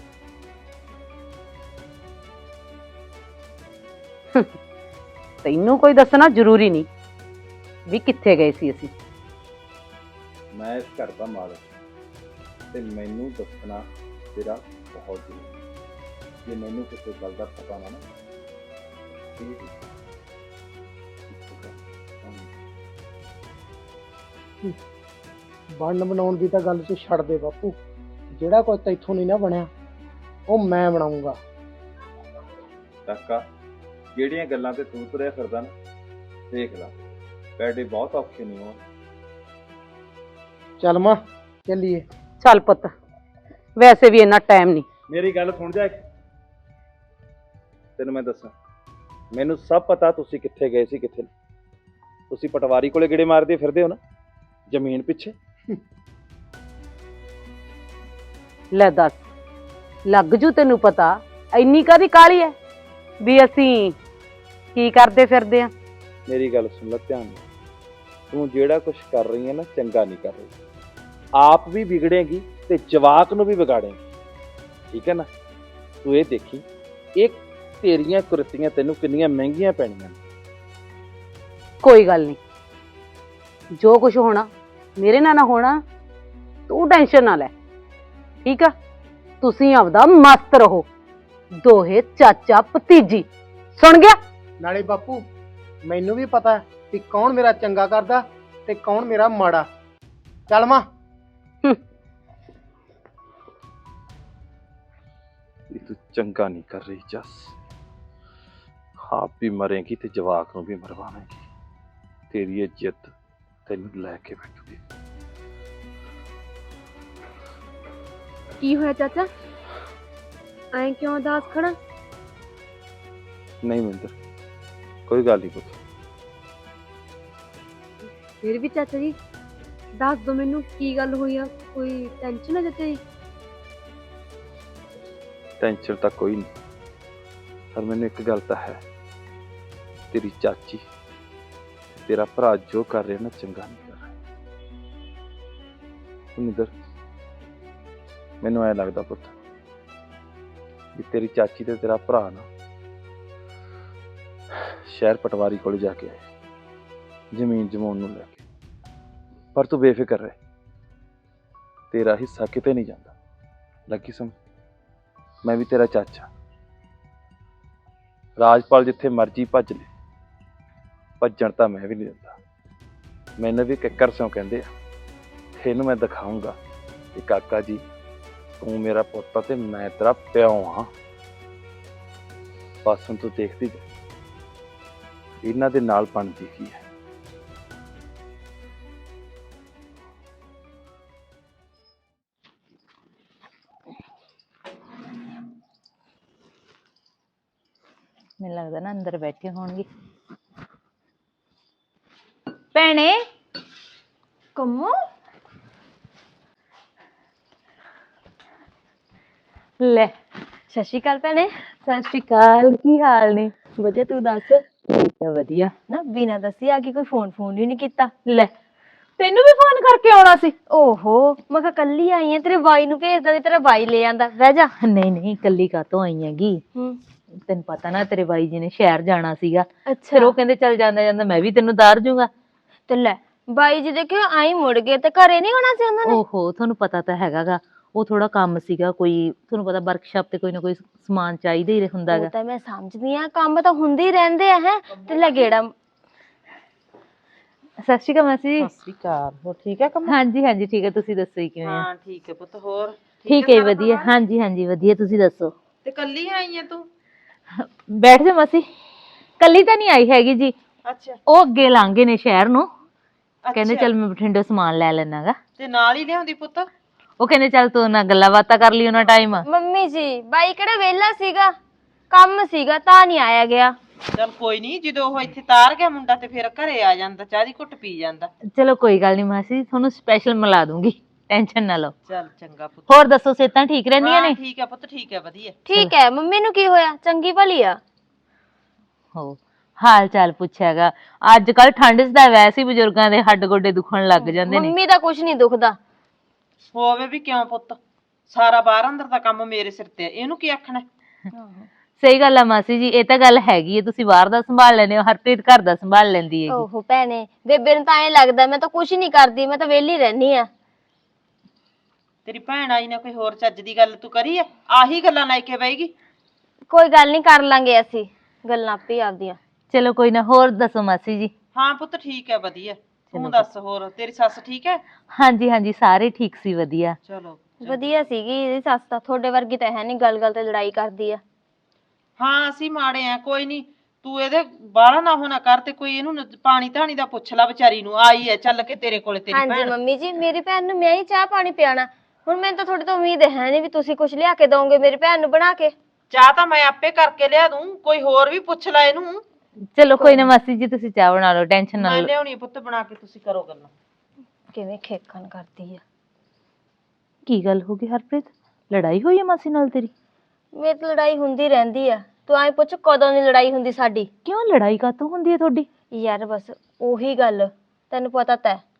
B: ਤੈਨੂੰ ਕੋਈ ਦੱਸਣਾ ਜ਼ਰੂਰੀ ਨਹੀਂ ਵੀ ਕਿੱਥੇ ਗਏ ਸੀ ਅਸੀਂ।
F: ਮੈਂ ਇਸ ਘਰ ਦਾ ਮਾਲਕ ਤੇ ਮੈਨੂੰ ਦੱਸਣਾ ਤੇਰਾ ਬਹੁਤ ਜ਼ਰੂਰੀ। ਜੇ ਮੈਨੂੰ ਕਿਸੇ ਗੱਲ ਦਾ ਪਤਾ ਨਾ ਨਾ
E: ਬਣਨ ਬਣਾਉਣ ਦੀ ਤਾਂ ਗੱਲ ਤੂੰ ਛੱਡ ਦੇ ਬਾਪੂ। ਜਿਹੜਾ ਕੁਝ ਤੈਥੋਂ ਨਹੀਂ ਨਾ ਬਣਿਆ ਉਹ ਮੈਂ ਬਣਾਉਂਗਾ।
F: ਕਾਕਾ ਜਿਹੜੀਆਂ ਗੱਲਾਂ ਤੇ ਤੂੰ ਤੁਰਿਆ ਫਿਰਦਾ ਨਾ, ਦੇਖ ਲੈ ਪੈਡੇ ਬਹੁਤ ਔਖੇ ਨਹੀਂ ਹੋਣ।
E: ਚੱਲ ਮਾਂ ਚੱਲੀਏ।
B: ਚੱਲ ਪੁੱਤ, ਵੈਸੇ ਵੀ ਇੰਨਾ ਟਾਈਮ ਨਹੀਂ।
F: ਮੇਰੀ ਗੱਲ ਸੁਣ ਜਾ, ਤੈਨੂੰ ਮੈਂ ਦੱਸਾਂ, ਮੈਨੂੰ ਸਭ ਪਤਾ ਤੁਸੀਂ ਕਿੱਥੇ ਗਏ ਸੀ ਕਿੱਥੇ ਨਹੀਂ। ਤੁਸੀਂ ਪਟਵਾਰੀ ਕੋਲੇ ਗੇੜੇ ਮਾਰਦੇ ਫਿਰਦੇ ਹੋ ਨਾ ਜ਼ਮੀਨ ਪਿੱਛੇ।
B: ਲੈ ਦੱਸ, ਲੱਗ ਜੂ ਤੈਨੂੰ ਪਤਾ, ਇੰਨੀ ਕਾਹਦੀ ਕਾਹਲੀ ਹੈ ਵੀ ਅਸੀਂ ਕੀ ਕਰਦੇ ਫਿਰਦੇ ਆ।
F: ਮੇਰੀ ਗੱਲ ਸੁਣ ਲੈ ਧਿਆਨ ਨਾਲ, ਤੂੰ ਜਿਹੜਾ ਕੁਝ ਕਰ ਰਹੀ ਹੈ ਨਾ ਚੰਗਾ ਨਹੀਂ ਕਰ ਰਹੀ। ਆਪ ਵੀ ਵਿਗੜੇਗੀ ਤੇ ਜਵਾਕ ਨੂੰ ਵੀ ਵਿਗਾੜੇਗੀ, ਠੀਕ ਹੈ ਨਾ। ਤੂੰ ਇਹ ਦੇਖੀ, ਇਹ ਤੇਰੀਆਂ ਕੁਰਤੀਆਂ ਤੈਨੂੰ ਕਿੰਨੀਆਂ ਮਹਿੰਗੀਆਂ ਪੈਣੀਆਂ।
B: ਕੋਈ ਗੱਲ ਨਹੀਂ, ਜੋ ਕੁਝ ਹੋਣਾ ਮੇਰੇ ਨਾਲ ਨਾ ਹੋਣਾ, ਤੂੰ ਟੈਨਸ਼ਨ ਨਾ ਲੈ, ਠੀਕ ਆ। ਤੁਸੀਂ ਆਪਦਾ ਮਸਤ ਰਹੋ, ਦੋਹੇ ਚਾਚਾ ਭਤੀਜੀ, ਸੁਣ ਗਿਆ?
E: ਨਾਲੇ ਬਾਪੂ ਮੈਨੂੰ ਵੀ ਪਤਾ ਕਿ ਕੌਣ ਮੇਰਾ ਚੰਗਾ ਕਰਦਾ ਤੇ ਕੌਣ ਮੇਰਾ ਮਾੜਾ। ਚੱਲ ਮਾਂ।
F: ਇਹ ਤੂੰ ਚੰਗਾ ਨਹੀਂ ਕਰ ਰਹੀ ਜੱਸ, ਆਪ ਵੀ ਮਰੇਂਗੀ ਤੇ ਜਵਾਕ ਨੂੰ ਵੀ ਮਰਵਾਵੇਂਗੀ। ਤੇਰੀ ਇੱਜ਼ਤ ਤੈਨੂੰ ਲੈ ਕੇ ਬੈਠੂਗੀ।
A: ਕੀ ਹੋਇਆ ਚਾਚਾ? ਐਂ ਕਿਉਂ ਉਦਾਸ ਖੜਾ?
F: ਨਹੀਂ ਮਿੰਦਰ, ਕੋਈ ਗੱਲ ਨਹੀਂ ਪੁੱਤ।
A: ਫਿਰ ਵੀ ਚਾਚਾ ਜੀ ਦੱਸ ਦੋ ਮੈਨੂੰ ਕੀ ਗੱਲ ਹੋਈ ਆ, ਕੋਈ ਟੈਨਸ਼ਨ ਹੈ ਚਾਚਾ ਜੀ?
F: ਟੈਨਸ਼ਨ ਤਾਂ ਕੋਈ ਨਹੀਂ, ਪਰ ਮੈਨੂੰ ਇੱਕ ਗੱਲ ਤਾਂ ਹੈ, ਤੇਰੀ ਚਾਚੀ ਤੇਰਾ ਭਰਾ ਜੋ ਕਰ ਰਿਹਾ ਨਾ ਚੰਗਾ ਨਹੀਂ ਕਰ ਰਿਹਾ। ਮਿੰਦਰ, ਮੈਨੂੰ ਐ ਲੱਗਦਾ ਪੁੱਤ ਵੀ ਤੇਰੀ ਚਾਚੀ ਤੇ ਤੇਰਾ ਭਰਾ ਨਾ ਸ਼ਹਿਰ ਪਟਵਾਰੀ ਕੋਲ ਜਾ ਕੇ ਆਏ ਜ਼ਮੀਨ ਜਮਾਉਣ ਨੂੰ ਲੈ ਕੇ। ਪਰ ਤੂੰ ਬੇਫਿਕਰ ਰਹਿ, ਤੇਰਾ ਹਿੱਸਾ ਕਿਤੇ ਨਹੀਂ ਜਾਂਦਾ। ਲੱਗੀ ਸਮਝ? ਮੈਂ ਵੀ ਤੇਰਾ ਚਾਚਾ। ਰਾਜਪਾਲ ਜਿੱਥੇ ਮਰਜੀ ਭੱਜ ਲੈ, ਭੱਜਣ ਤਾਂ ਮੈਂ ਵੀ ਨਹੀਂ ਦਿੰਦਾ। ਮੈਨੂੰ ਵੀ ਕਿੱਕਰ ਸਿਉਂ ਕਹਿੰਦੇ ਆ। ਇਹਨੂੰ ਮੈਂ ਦਿਖਾਊਂਗਾ ਕਿ ਕਾਕਾ ਜੀ ਤੂੰ ਮੇਰਾ ਪੁੱਤ ਤੇ ਮੈਂ ਤੇਰਾ ਪਿਓ ਹਾਂ। ਬਸ ਹੁਣ ਤੂੰ ਦੇਖਦੀ ਜਾ ਇਹਨਾਂ ਦੇ ਨਾਲ ਬਣਦੀ ਕੀ ਹੈ।
H: ਮੈਨੂੰ ਲੱਗਦਾ ਨਾ ਅੰਦਰ ਬੈਠੇ ਹੋਣਗੇ। ਭੈਣੇ
A: ਕੰਮੋ
H: ਲੈ,
A: ਸਤਿ ਸ਼੍ਰੀ ਅਕਾਲ ਭੈਣੇ।
H: ਸਤਿ ਸ਼੍ਰੀ ਅਕਾਲ, ਕੀ ਹਾਲ ਨੇ?
A: ਵਧੀਆ, ਤੂੰ ਦੱਸ?
H: ਠੀਕ ਆ, ਵਧੀਆ।
A: ਨਾ ਬਿਨਾਂ ਦੱਸੀ ਆ ਕੇ ਕੋਈ ਫੋਨ ਫੋਨ ਹੀ ਨਹੀਂ ਕੀਤਾ।
H: ਲੈ, ਤੈਨੂੰ ਵੀ ਫੋਨ ਕਰਕੇ ਆਉਣਾ ਸੀ?
A: ਓਹੋ, ਮੈਂ ਕਿਹਾ ਕੱਲੀ ਆਈ ਆ, ਤੇਰੇ ਬਾਈ ਨੂੰ ਭੇਜਦਾ ਤੇ ਤੇਰਾ ਬਾਈ ਲੈ ਆਂਦਾ। ਬਹਿ ਜਾ।
H: ਨਹੀਂ ਨਹੀਂ, ਕੱਲੀ ਕਾਤੋਂ ਆਈ ਹੈਗੀ?
A: ਹੂੰ,
H: ਤੈਨੂੰ ਪਤਾ ਨਾ ਤੇਰੇ ਬਾਈ ਜੀ ਨੇ ਸ਼ਹਿਰ ਜਾਣਾ ਸੀਗਾ,
A: ਅੱਛਾ।
H: ਫਿਰ ਉਹ ਕਹਿੰਦੇ ਚੱਲ ਜਾਂਦਾ ਜਾਂਦਾ ਮੈਂ ਵੀ ਤੈਨੂੰ ਉਤਾਰ ਜੂੰਗਾ।
A: ਤੇ ਲੈ, ਬਾਈ ਜੀ ਦੇਖਿਓ ਆਈ ਮੁੜ ਗਏ ਤੇ ਘਰੇ ਨਹੀਂ ਹੋਣਾ ਸੀ ਉਹਨਾਂ ਨੇ?
H: ਓਹੋ, ਤੁਹਾਨੂੰ ਪਤਾ ਤਾਂ ਹੈਗਾਗਾ, ਉਹ ਥੋੜਾ ਕੰਮ ਸੀਗਾ ਕੋਈ, ਤੁਹਾਨੂੰ ਪਤਾ ਵਰਕਸ਼ਾਪ ਤੇ ਕੋਈ ਨਾ ਕੋਈ ਸਮਾਨ ਚਾਹੀਦਾ ਹੀ ਹੁੰਦਾ
A: ਉਹ
H: ਗਾ।
A: ਤਾਂ ਮੈਂ ਸਮਝਦੀ ਆ, ਕੰਮ ਤਾਂ ਹੁੰਦੇ ਹੀ ਰਹਿੰਦੇ ਆ। ਹੈ ਤੇ ਲੈ ਗੇੜਾ।
H: ਸਤਿ ਸ਼੍ਰੀ ਅਕਾਲ ਮਾਸੀ ਜੀ।
B: ਸਤਿ ਸ਼੍ਰੀ ਅਕਾਲ। ਹੋਰ ਠੀਕ ਹੈ ਕੰਮ?
H: ਹਾਂਜੀ ਹਾਂਜੀ ਠੀਕ ਹੈ, ਤੁਸੀਂ ਦੱਸੋ ਜੀ ਕਿਵੇਂ ਆ?
B: ਹਾਂ ਠੀਕ ਹੈ ਪੁੱਤ। ਹੋਰ
H: ਠੀਕ ਹੈ, ਵਧੀਆ। ਹਾਂਜੀ ਹਾਂਜੀ ਵਧੀਆ, ਤੁਸੀਂ ਦੱਸੋ?
B: ਤੇ ਕੱਲੀ ਆਈ ਆ ਤੂੰ?
H: ਬੈਠ ਜਾ ਮਾਸੀ। ਕੱਲੀ ਤਾਂ ਨਹੀਂ ਆਈ ਹੈਗੀ ਜੀ,
B: ਅੱਛਾ।
H: ਉਹ ਅੱਗੇ ਲਾਂਗੇ ਨੇ ਸ਼ਹਿਰ ਨੂੰ, ਕਹਿੰਦੇ ਚੱਲ ਮੈਂ ਬਠਿੰਡੇ ਸਮਾਨ ਲੈ ਲੈਣਾਗਾ।
B: ਤੇ ਨਾਲ ਹੀ ਲਿਆਉਂਦੀ ਪੁੱਤ?
H: ਉਹ ਕਹਿੰਦੇ ਚੱਲ ਤੂੰ ਨਾ ਗੱਲਾਂ ਬਾਤਾਂ ਕਰ ਲਈ ਉਹਨਾਂ ਟਾਈਮ।
A: ਮੰਮੀ ਜੀ, ਬਾਈ ਕਿਹੜਾ ਵਿਹਲਾ ਸੀਗਾ, ਕੰਮ ਸੀਗਾ ਤਾਂ ਨਹੀਂ ਆਇਆ ਗਿਆ।
B: ਚੱਲ ਕੋਈ ਨਹੀਂ, ਜਦੋਂ ਉਹ ਇੱਥੇ ਤਾਰ ਗਿਆ ਮੁੰਡਾ ਤੇ ਫਿਰ ਘਰੇ ਆ ਜਾਂਦਾ, ਚਾਹ ਦੀ ਘੁੱਟ ਪੀ ਜਾਂਦਾ।
H: ਚਲੋ ਕੋਈ ਗੱਲ ਨਹੀਂ ਮਾਸੀ, ਤੁਹਾਨੂੰ ਸਪੈਸ਼ਲ ਮਿਲਾ ਦੂੰਗੀ, ਟੈਨਸ਼ਨ ਨਾ ਲਓ।
B: ਚੱਲ ਚੰਗਾ ਪੁੱਤ।
H: ਹੋਰ ਦੱਸੋ, ਸਿਹਤਾਂ ਠੀਕ ਰਹਿੰਦੀਆਂ ਨੇ?
B: ਠੀਕ ਹੈ ਪੁੱਤ, ਠੀਕ ਹੈ, ਵਧੀਆ।
A: ਠੀਕ ਹੈ। ਮੰਮੀ ਨੂੰ ਕੀ ਹੋਇਆ? ਚੰਗੀ ਭਲੀ ਆ।
H: ਹੋ ਹਾਲ ਚਾਲ ਪੁੱਛਿਆਗਾ। ਅੱਜ ਕੱਲ ਠੰਡ ਚ ਤਾਂ ਵੈਸੇ ਹੀ ਬਜ਼ੁਰਗਾਂ ਦੇ ਹੱਡ ਗੋਡੇ ਦੁਖਣ ਲੱਗ ਜਾਂਦੇ ਨੇ।
A: ਮੰਮੀ ਦਾ ਕੁਝ ਨਹੀਂ ਦੁਖਦਾ।
B: ਹੋਵੇ ਵੀ ਕਿਉਂ ਪੁੱਤ, ਸਾਰਾ ਬਾਹਰ ਅੰਦਰ ਦਾ ਕੰਮ ਮੇਰੇ ਸਿਰ ਤੇ, ਇਹਨੂੰ ਕੀ ਆਖਣਾ?
H: ਸਹੀ ਗੱਲ ਆ ਮਾਸੀ ਜੀ, ਇਹ ਤਾਂ ਗੱਲ ਹੈਗੀ ਹੈ, ਤੁਸੀਂ ਬਾਹਰ ਦਾ ਸੰਭਾਲ ਲੈਂਦੇ ਹੋ, ਹਰਪ੍ਰੀਤ ਘਰ ਦਾ ਸੰਭਾਲ ਲੈਂਦੀ ਹੈਗੀ।
A: ਓਹੋ ਭੈਣੇ, ਬੇਬੇ ਨੂੰ ਤਾਂ ਐਂ ਲੱਗਦਾ ਮੈਂ ਤਾਂ ਕੁਝ ਨਹੀਂ ਕਰਦੀ, ਮੈਂ ਤਾਂ ਵਿਹਲੀ ਰਹਿਨੀ ਆ।
B: ਤੇਰੀ ਭੈਣ ਆਈ ਨਾ ਕੋਈ ਹੋਰ ਚੱਜ ਦੀ ਗੱਲ ਤੂੰ ਕਰੀ ਆ? ਆਹੀ ਗੱਲਾਂ ਲੈ ਕੇ ਬੈਗੀ।
A: ਕੋਈ ਗੱਲ ਨਹੀਂ, ਕਰ ਲਾਂਗੇ ਅਸੀਂ ਗੱਲਾਂ ਆਪੇ ਆਪਦੀਆਂ।
H: ਚਲੋ ਕੋਈ ਨਾ, ਹੋਰ ਦੱਸੋ ਮਾਸੀ ਜੀ?
B: ਹਾਂ ਪੁੱਤ ਠੀਕ ਹੈ, ਵਧੀਆ। ਤੂੰ ਦੱਸ, ਹੋਰ ਤੇਰੀ ਸੱਸ ਠੀਕ ਹੈ?
H: ਹਾਂਜੀ ਹਾਂਜੀ, ਸਾਰੇ ਠੀਕ ਸੀ, ਵਧੀਆ।
B: ਚਲੋ
A: ਵਧੀਆ ਸੀਗੀ ਇਹਦੀ ਸੱਸ ਤਾਂ, ਤੁਹਾਡੇ ਵਰਗੀ ਤਾਂ ਹੈ ਨਹੀਂ, ਗੱਲ ਗੱਲ ਤੇ ਲੜਾਈ ਕਰਦੀ ਆ।
B: ਹਾਂ ਅਸੀਂ ਮਾੜੇ ਆ, ਕੋਈ ਨਹੀਂ, ਤੂੰ ਇਹਦੇ ਬਾਹਲਾ ਨਾ ਹੋਣਾ ਕਰ, ਤੇ ਕੋਈ ਇਹਨੂੰ ਪਾਣੀ ਧਾਣੀ ਦਾ ਪੁੱਛ ਲੈ, ਵਿਚਾਰੀ ਨੂੰ ਆਈ ਹੈ ਚੱਲ ਕੇ ਤੇਰੇ ਕੋਲੇ ਤੇਰੀ
A: ਹਾਂਜੀ
B: ਭੈਣ।
A: ਮੰਮੀ ਜੀ, ਮੇਰੀ ਭੈਣ ਨੂੰ ਮੈਂ ਹੀ ਚਾਹ ਪਾਣੀ ਪਿਆਣਾ। ਹੁਣ ਮੈਨੂੰ ਤਾਂ ਤੁਹਾਡੇ ਤੋਂ ਉਮੀਦ ਹੈ ਨਹੀਂ ਵੀ ਤੁਸੀਂ ਕੁਝ ਲਿਆ ਕੇ ਦੋਗੇ ਮੇਰੀ ਭੈਣ ਨੂੰ ਬਣਾ ਕੇ।
B: ਚਾਹ ਤਾਂ ਮੈਂ ਆਪੇ ਕਰਕੇ ਲਿਆ ਦੂੰ, ਕੋਈ ਹੋਰ ਵੀ ਪੁੱਛ ਲੈ ਇਹਨੂੰ।
H: ਚਲੋ ਕੋਈ ਨਾ ਮਾਸੀ ਜੀ, ਤੁਸੀਂ ਚਾਹ ਬਣਾ ਲਓ, ਟੈਨਸ਼ਨ ਨਾ
B: ਮੈਂ
H: ਲਓ।
B: ਲਿਆਉਣੀ ਪੁੱਤ ਬਣਾ ਕੇ, ਤੁਸੀਂ ਕਰੋ ਗੱਲਾਂ।
A: ਕਿਵੇਂ ਖੇਖਣ ਕਰਦੀ ਆ।
H: ਕੀ ਗੱਲ ਹੋ ਗਈ ਹਰਪ੍ਰੀਤ, ਲੜਾਈ ਹੋਈ ਹੈ ਮਾਸੀ ਨਾਲ ਤੇਰੀ?
A: ਮੇਰੀ ਤਾਂ ਲੜਾਈ ਹੁੰਦੀ ਰਹਿੰਦੀ ਆ, ਤੂੰ ਐਂ ਪੁੱਛ ਕਦੋਂ ਦੀ ਲੜਾਈ ਹੁੰਦੀ ਸਾਡੀ?
H: ਕਿਉਂ, ਲੜਾਈ ਕਾਤੋਂ ਹੁੰਦੀ ਹੈ ਤੁਹਾਡੀ?
A: ਯਾਰ ਬਸ ਉਹੀ ਗੱਲ, ਤੈਨੂੰ ਪਤਾ ਤਾਂ ਹੈ।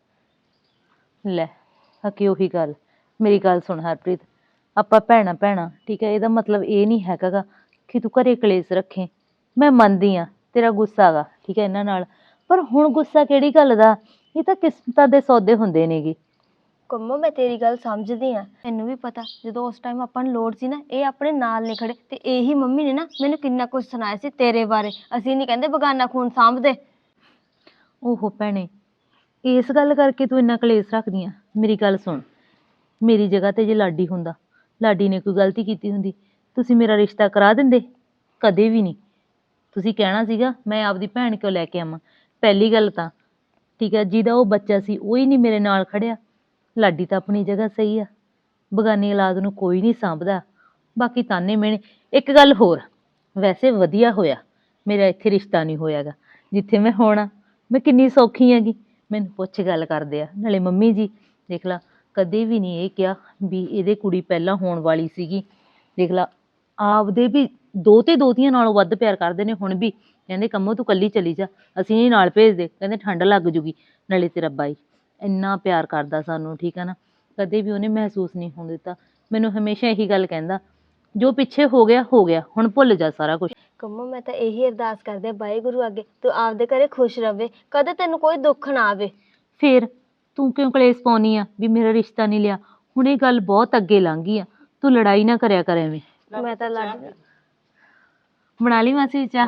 H: ਲੈ ਹਕੀ ਉਹੀ ਗੱਲ। ਮੇਰੀ ਗੱਲ ਸੁਣ ਹਰਪ੍ਰੀਤ, ਆਪਾਂ ਭੈਣਾ ਭੈਣਾ ਠੀਕ ਹੈ, ਇਹਦਾ ਮਤਲਬ ਇਹ ਨਹੀਂ ਹੈਗਾ ਗਾ ਕਿ ਤੂੰ ਘਰੇ ਕਲੇਸ਼ ਰੱਖੇ। ਮੈਂ ਮੰਨਦੀ ਆ ਤੇਰਾ ਗੁੱਸਾ ਗਾ, ਠੀਕ ਹੈ ਇਹਨਾਂ ਨਾਲ, ਪਰ ਹੁਣ ਗੁੱਸਾ ਕਿਹੜੀ ਗੱਲ ਦਾ? ਇਹ ਤਾਂ ਕਿਸਮਤਾਂ ਦੇ ਸੌਦੇ ਹੁੰਦੇ ਨੇਗੇ।
I: ਕੰਮੋ ਮੈਂ ਤੇਰੀ ਗੱਲ ਸਮਝਦੀ ਆ, ਮੈਨੂੰ ਵੀ ਪਤਾ ਜਦੋਂ ਉਸ ਟਾਈਮ ਆਪਾਂ ਨੂੰ ਲੋੜ ਸੀ ਨਾ ਇਹ ਆਪਣੇ ਨਾਲ ਨਹੀਂ ਖੜੇ, ਤੇ ਇਹੀ ਮੰਮੀ ਨੇ ਨਾ ਮੈਨੂੰ ਕਿੰਨਾ ਕੁਝ ਸੁਣਾਇਆ ਸੀ ਤੇਰੇ ਬਾਰੇ। ਅਸੀਂ ਨਹੀਂ ਕਹਿੰਦੇ ਬਗਾਨਾ ਖੂਨ ਸਾਂਭਦੇ।
H: ਓਹੋ ਭੈਣੇ, ਇਸ ਗੱਲ ਕਰਕੇ ਤੂੰ ਇੰਨਾ ਕਲੇਸ਼ ਰੱਖਦੀ ਆ? ਮੇਰੀ ਗੱਲ ਸੁਣ, ਮੇਰੀ ਜਗ੍ਹਾ ਤੇ ਜੇ ਲਾਡੀ ਹੁੰਦਾ, ਲਾਡੀ ਨੇ ਕੋਈ ਗਲਤੀ ਕੀਤੀ ਹੁੰਦੀ, ਤੁਸੀਂ ਮੇਰਾ ਰਿਸ਼ਤਾ ਕਰਾ ਦਿੰਦੇ? ਕਦੇ ਵੀ ਨਹੀਂ। ਤੁਸੀਂ ਕਹਿਣਾ ਸੀਗਾ ਮੈਂ ਆਪਦੀ ਭੈਣ ਕਿਉਂ ਲੈ ਕੇ ਆਵਾਂ। ਪਹਿਲੀ ਗੱਲ ਤਾਂ ਠੀਕ ਹੈ, ਜਿਹਦਾ ਉਹ ਬੱਚਾ ਸੀ ਉਹ ਹੀ ਨਹੀਂ ਮੇਰੇ ਨਾਲ ਖੜਿਆ। ਲਾਡੀ ਤਾਂ ਆਪਣੀ ਜਗ੍ਹਾ ਸਹੀ ਆ, ਬਗਾਨੀ ਔਲਾਦ ਨੂੰ ਕੋਈ ਨਹੀਂ ਸਾਂਭਦਾ। ਬਾਕੀ ਤਾਨੇ ਮਿਹਣੇ। ਇੱਕ ਗੱਲ ਹੋਰ, ਵੈਸੇ ਵਧੀਆ ਹੋਇਆ ਮੇਰਾ ਇੱਥੇ ਰਿਸ਼ਤਾ ਨਹੀਂ ਹੋਇਆਗਾ। ਜਿੱਥੇ ਮੈਂ ਹੋਣਾ ਮੈਂ ਕਿੰਨੀ ਸੌਖੀ ਹੈਗੀ। ਮੈਨੂੰ ਪੁੱਛ ਗੱਲ ਕਰਦੇ ਆ, ਨਾਲੇ ਮੰਮੀ ਜੀ ਦੇਖ ਲਾ ਕਦੇ ਵੀ ਨਹੀਂ ਇਹ ਕਿਹਾ ਵੀ ਇਹਦੇ ਕੁੜੀ ਪਹਿਲਾਂ ਹੋਣ ਵਾਲੀ ਸੀਗੀ। ਦੇਖ ਲਾ ਆਪਦੇ ਵੀ ਦੋਤੇ ਦੋਤੀਆਂ ਨਾਲੋਂ ਵੱਧ ਪਿਆਰ ਕਰਦੇ ਨੇ। ਹੁਣ ਵੀ ਕਹਿੰਦੇ ਕੰਮੋ ਤੂੰ ਕੱਲੀ ਚਲੀ ਜਾ, ਅਸੀਂ ਨਹੀਂ ਨਾਲ ਭੇਜਦੇ, ਕਹਿੰਦੇ ਠੰਡ ਲੱਗ ਜੂਗੀ। ਨਾਲੇ ਤੇਰਾ ਬਾਈ ਇੰਨਾ ਪਿਆਰ ਕਰਦਾ ਸਾਨੂੰ, ਠੀਕ ਹੈ ਨਾ, ਕਦੇ ਵੀ ਉਹਨੇ ਮਹਿਸੂਸ ਨਹੀਂ ਹੋਣ ਦਿੱਤਾ। ਮੈਨੂੰ ਹਮੇਸ਼ਾ ਇਹੀ ਗੱਲ ਕਹਿੰਦਾ ਜੋ ਪਿੱਛੇ ਹੋ ਗਿਆ ਹੋ ਗਿਆ, ਹੁਣ ਭੁੱਲ ਜਾ ਸਾਰਾ ਕੁਝ।
I: ਕੰਮੋ ਮੈਂ ਤਾਂ ਇਹੀ ਅਰਦਾਸ ਕਰਦੀ ਆ ਵਾਹਿਗੁਰੂ ਅੱਗੇ ਤੂੰ ਆਪਦੇ ਘਰੇ ਖੁਸ਼ ਰਵੇ, ਕਦੇ ਤੈਨੂੰ ਕੋਈ ਦੁੱਖ ਨਾ ਆਵੇ।
H: ਫੇਰ ਤੂੰ ਕਿਉਂ ਕਲੇਸ਼ ਪਾਉਣੀ ਆ ਵੀ ਮੇਰਾ ਰਿਸ਼ਤਾ ਨਹੀਂ ਲਿਆ? ਹੁਣ ਇਹ ਗੱਲ ਬਹੁਤ ਅੱਗੇ ਲੰਘ ਗਈ ਆ, ਤੂੰ ਲੜਾਈ ਨਾ ਕਰਿਆ ਕਰ ਐਵੇਂ।
I: ਮੈਂ ਤਾਂ ਲੜ
H: ਬਣਾ ਲਈ ਮਾਸੀ ਚਾਹ?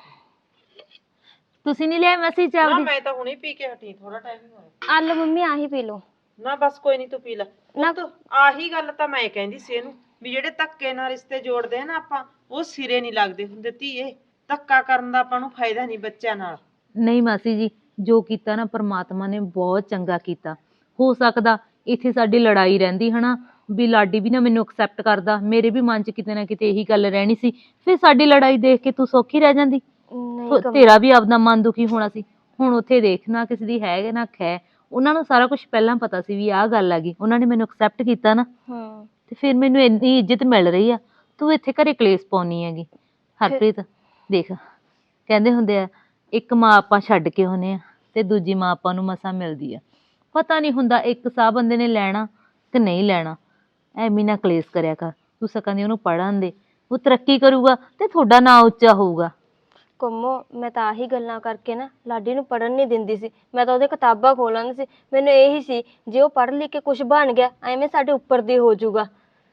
H: ਤੁਸੀਂ ਨਹੀਂ ਲਿਆ ਮਾਸੀ ਚਾਹ?
B: ਨਾ ਮੈਂ ਤਾਂ ਹੁਣੇ ਪੀ ਕੇ ਹਟੀ, ਥੋੜਾ ਟਾਈਮ ਹੀ ਹੋਇਆ।
I: ਆਲੂ ਮੰਮੀ ਆਹੀ ਪੀ ਲਓ।
B: ਨਾ ਬਸ ਕੋਈ ਨਹੀਂ, ਤੂੰ ਪੀ ਲੈ। ਨਾ ਆਹੀ ਗੱਲ ਤਾਂ ਮੈਂ ਕਹਿੰਦੀ ਸੀ ਇਹਨੂੰ ਵੀ ਜਿਹੜੇ ਧੱਕੇ ਨਾਲ ਰਿਸ਼ਤੇ ਜੋੜਦੇ ਆ ਨਾ ਆਪਾਂ, ਉਹ ਸਿਰੇ ਨਹੀਂ ਲੱਗਦੇ ਹੁੰਦੇ ਧੀਏ। ਧੱਕਾ ਕਰਨ ਦਾ ਆਪਾਂ ਨੂੰ ਫਾਇਦਾ ਨਹੀਂ ਬੱਚਿਆਂ ਨਾਲ।
H: ਨਹੀਂ ਮਾਸੀ ਜੀ, ਜੋ ਕੀਤਾ ਨਾ ਪਰਮਾਤਮਾ ਨੇ ਬਹੁਤ ਚੰਗਾ ਕੀਤਾ। ਹੋ ਸਕਦਾ ਇੱਥੇ ਸਾਡੀ ਲੜਾਈ ਰਹਿੰਦੀ ਹਨਾ, ਵੀ ਲਾਡੀ ਵੀ ਨਾ ਮੈਨੂੰ ਐਕਸੈਪਟ ਕਰਦਾ, ਮੇਰੇ ਵੀ ਮਨ 'ਚ ਕਿਤੇ ਨਾ ਕਿਤੇ ਇਹੀ ਗੱਲ ਰਹਿਣੀ ਸੀ, ਫਿਰ ਸਾਡੀ ਲੜਾਈ ਦੇਖ ਕੇ ਤੂੰ ਸੌਖੀ ਰਹਿ ਜਾਂਦੀ।
I: ਨਹੀਂ
H: ਤੇਰਾ ਵੀ ਆਪਦਾ ਮਨ ਦੁਖੀ ਹੋਣਾ ਸੀ। ਹੁਣ ਉੱਥੇ ਦੇਖ ਨਾ ਕਿਸੇ ਦੀ ਹੈ ਨਾ ਖੈ, ਉਹਨਾਂ ਨੂੰ ਸਾਰਾ ਕੁਝ ਪਹਿਲਾਂ ਪਤਾ ਸੀ ਵੀ ਆਹ ਗੱਲ ਆ ਗਈ, ਉਹਨਾਂ ਨੇ ਮੈਨੂੰ ਐਕਸੈਪਟ ਕੀਤਾ ਨਾ,
I: ਹਾਂ
H: ਤੇ ਫਿਰ ਮੈਨੂੰ ਇੰਨੀ ਇੱਜ਼ਤ ਮਿਲ ਰਹੀ ਆ। ਤੂੰ ਇੱਥੇ ਘਰੇ ਕਲੇਸ਼ ਪਾਉਣੀ ਹੈਗੀ। ਹਰਪ੍ਰੀਤ ਦੇਖ, ਕਹਿੰਦੇ ਹੁੰਦੇ ਆ ਇੱਕ ਮਾਂ ਆਪਾਂ ਛੱਡ ਕੇ ਹੁੰਦੇ ਆ ਤੇ ਦੂਜੀ ਮਾਂ ਆਪਾਂ ਨੂੰ ਮਸਾਂ ਮਿਲਦੀ ਆ। ਪਤਾ ਨਹੀਂ ਹੁੰਦਾ ਇੱਕ ਸਾਹ ਬੰਦੇ ਨੇ ਲੈਣਾ ਕਿ ਨਹੀਂ ਲੈਣਾ। ਐਵੇਂ ਨਾ ਕਲੇਸ਼ ਕਰਿਆ ਕਰ। ਤੂੰ ਸਕਾਂ ਦੀ ਉਹਨੂੰ ਪੜ੍ਹਨ ਦੇ, ਉਹ ਤਰੱਕੀ ਕਰੂਗਾ ਤੇ ਤੁਹਾਡਾ ਨਾਂ ਉੱਚਾ ਹੋਊਗਾ।
I: ਕੰਮੋ ਮੈਂ ਤਾਂ ਆਹੀ ਗੱਲਾਂ ਕਰਕੇ ਨਾ ਲਾਡੀ ਨੂੰ ਪੜ੍ਹਨ ਨਹੀਂ ਦਿੰਦੀ ਸੀ। ਮੈਂ ਤਾਂ ਉਹਦੇ ਕਿਤਾਬਾਂ ਖੋਲ੍ਹਣ ਸੀ, ਮੈਨੂੰ ਇਹੀ ਸੀ ਜੇ ਉਹ ਪੜ੍ਹ ਲਿਖ ਕੇ ਕੁਝ ਬਣ ਗਿਆ ਐਵੇਂ ਸਾਡੇ ਉੱਪਰ ਦੀ ਹੋ ਜਾਊਗਾ।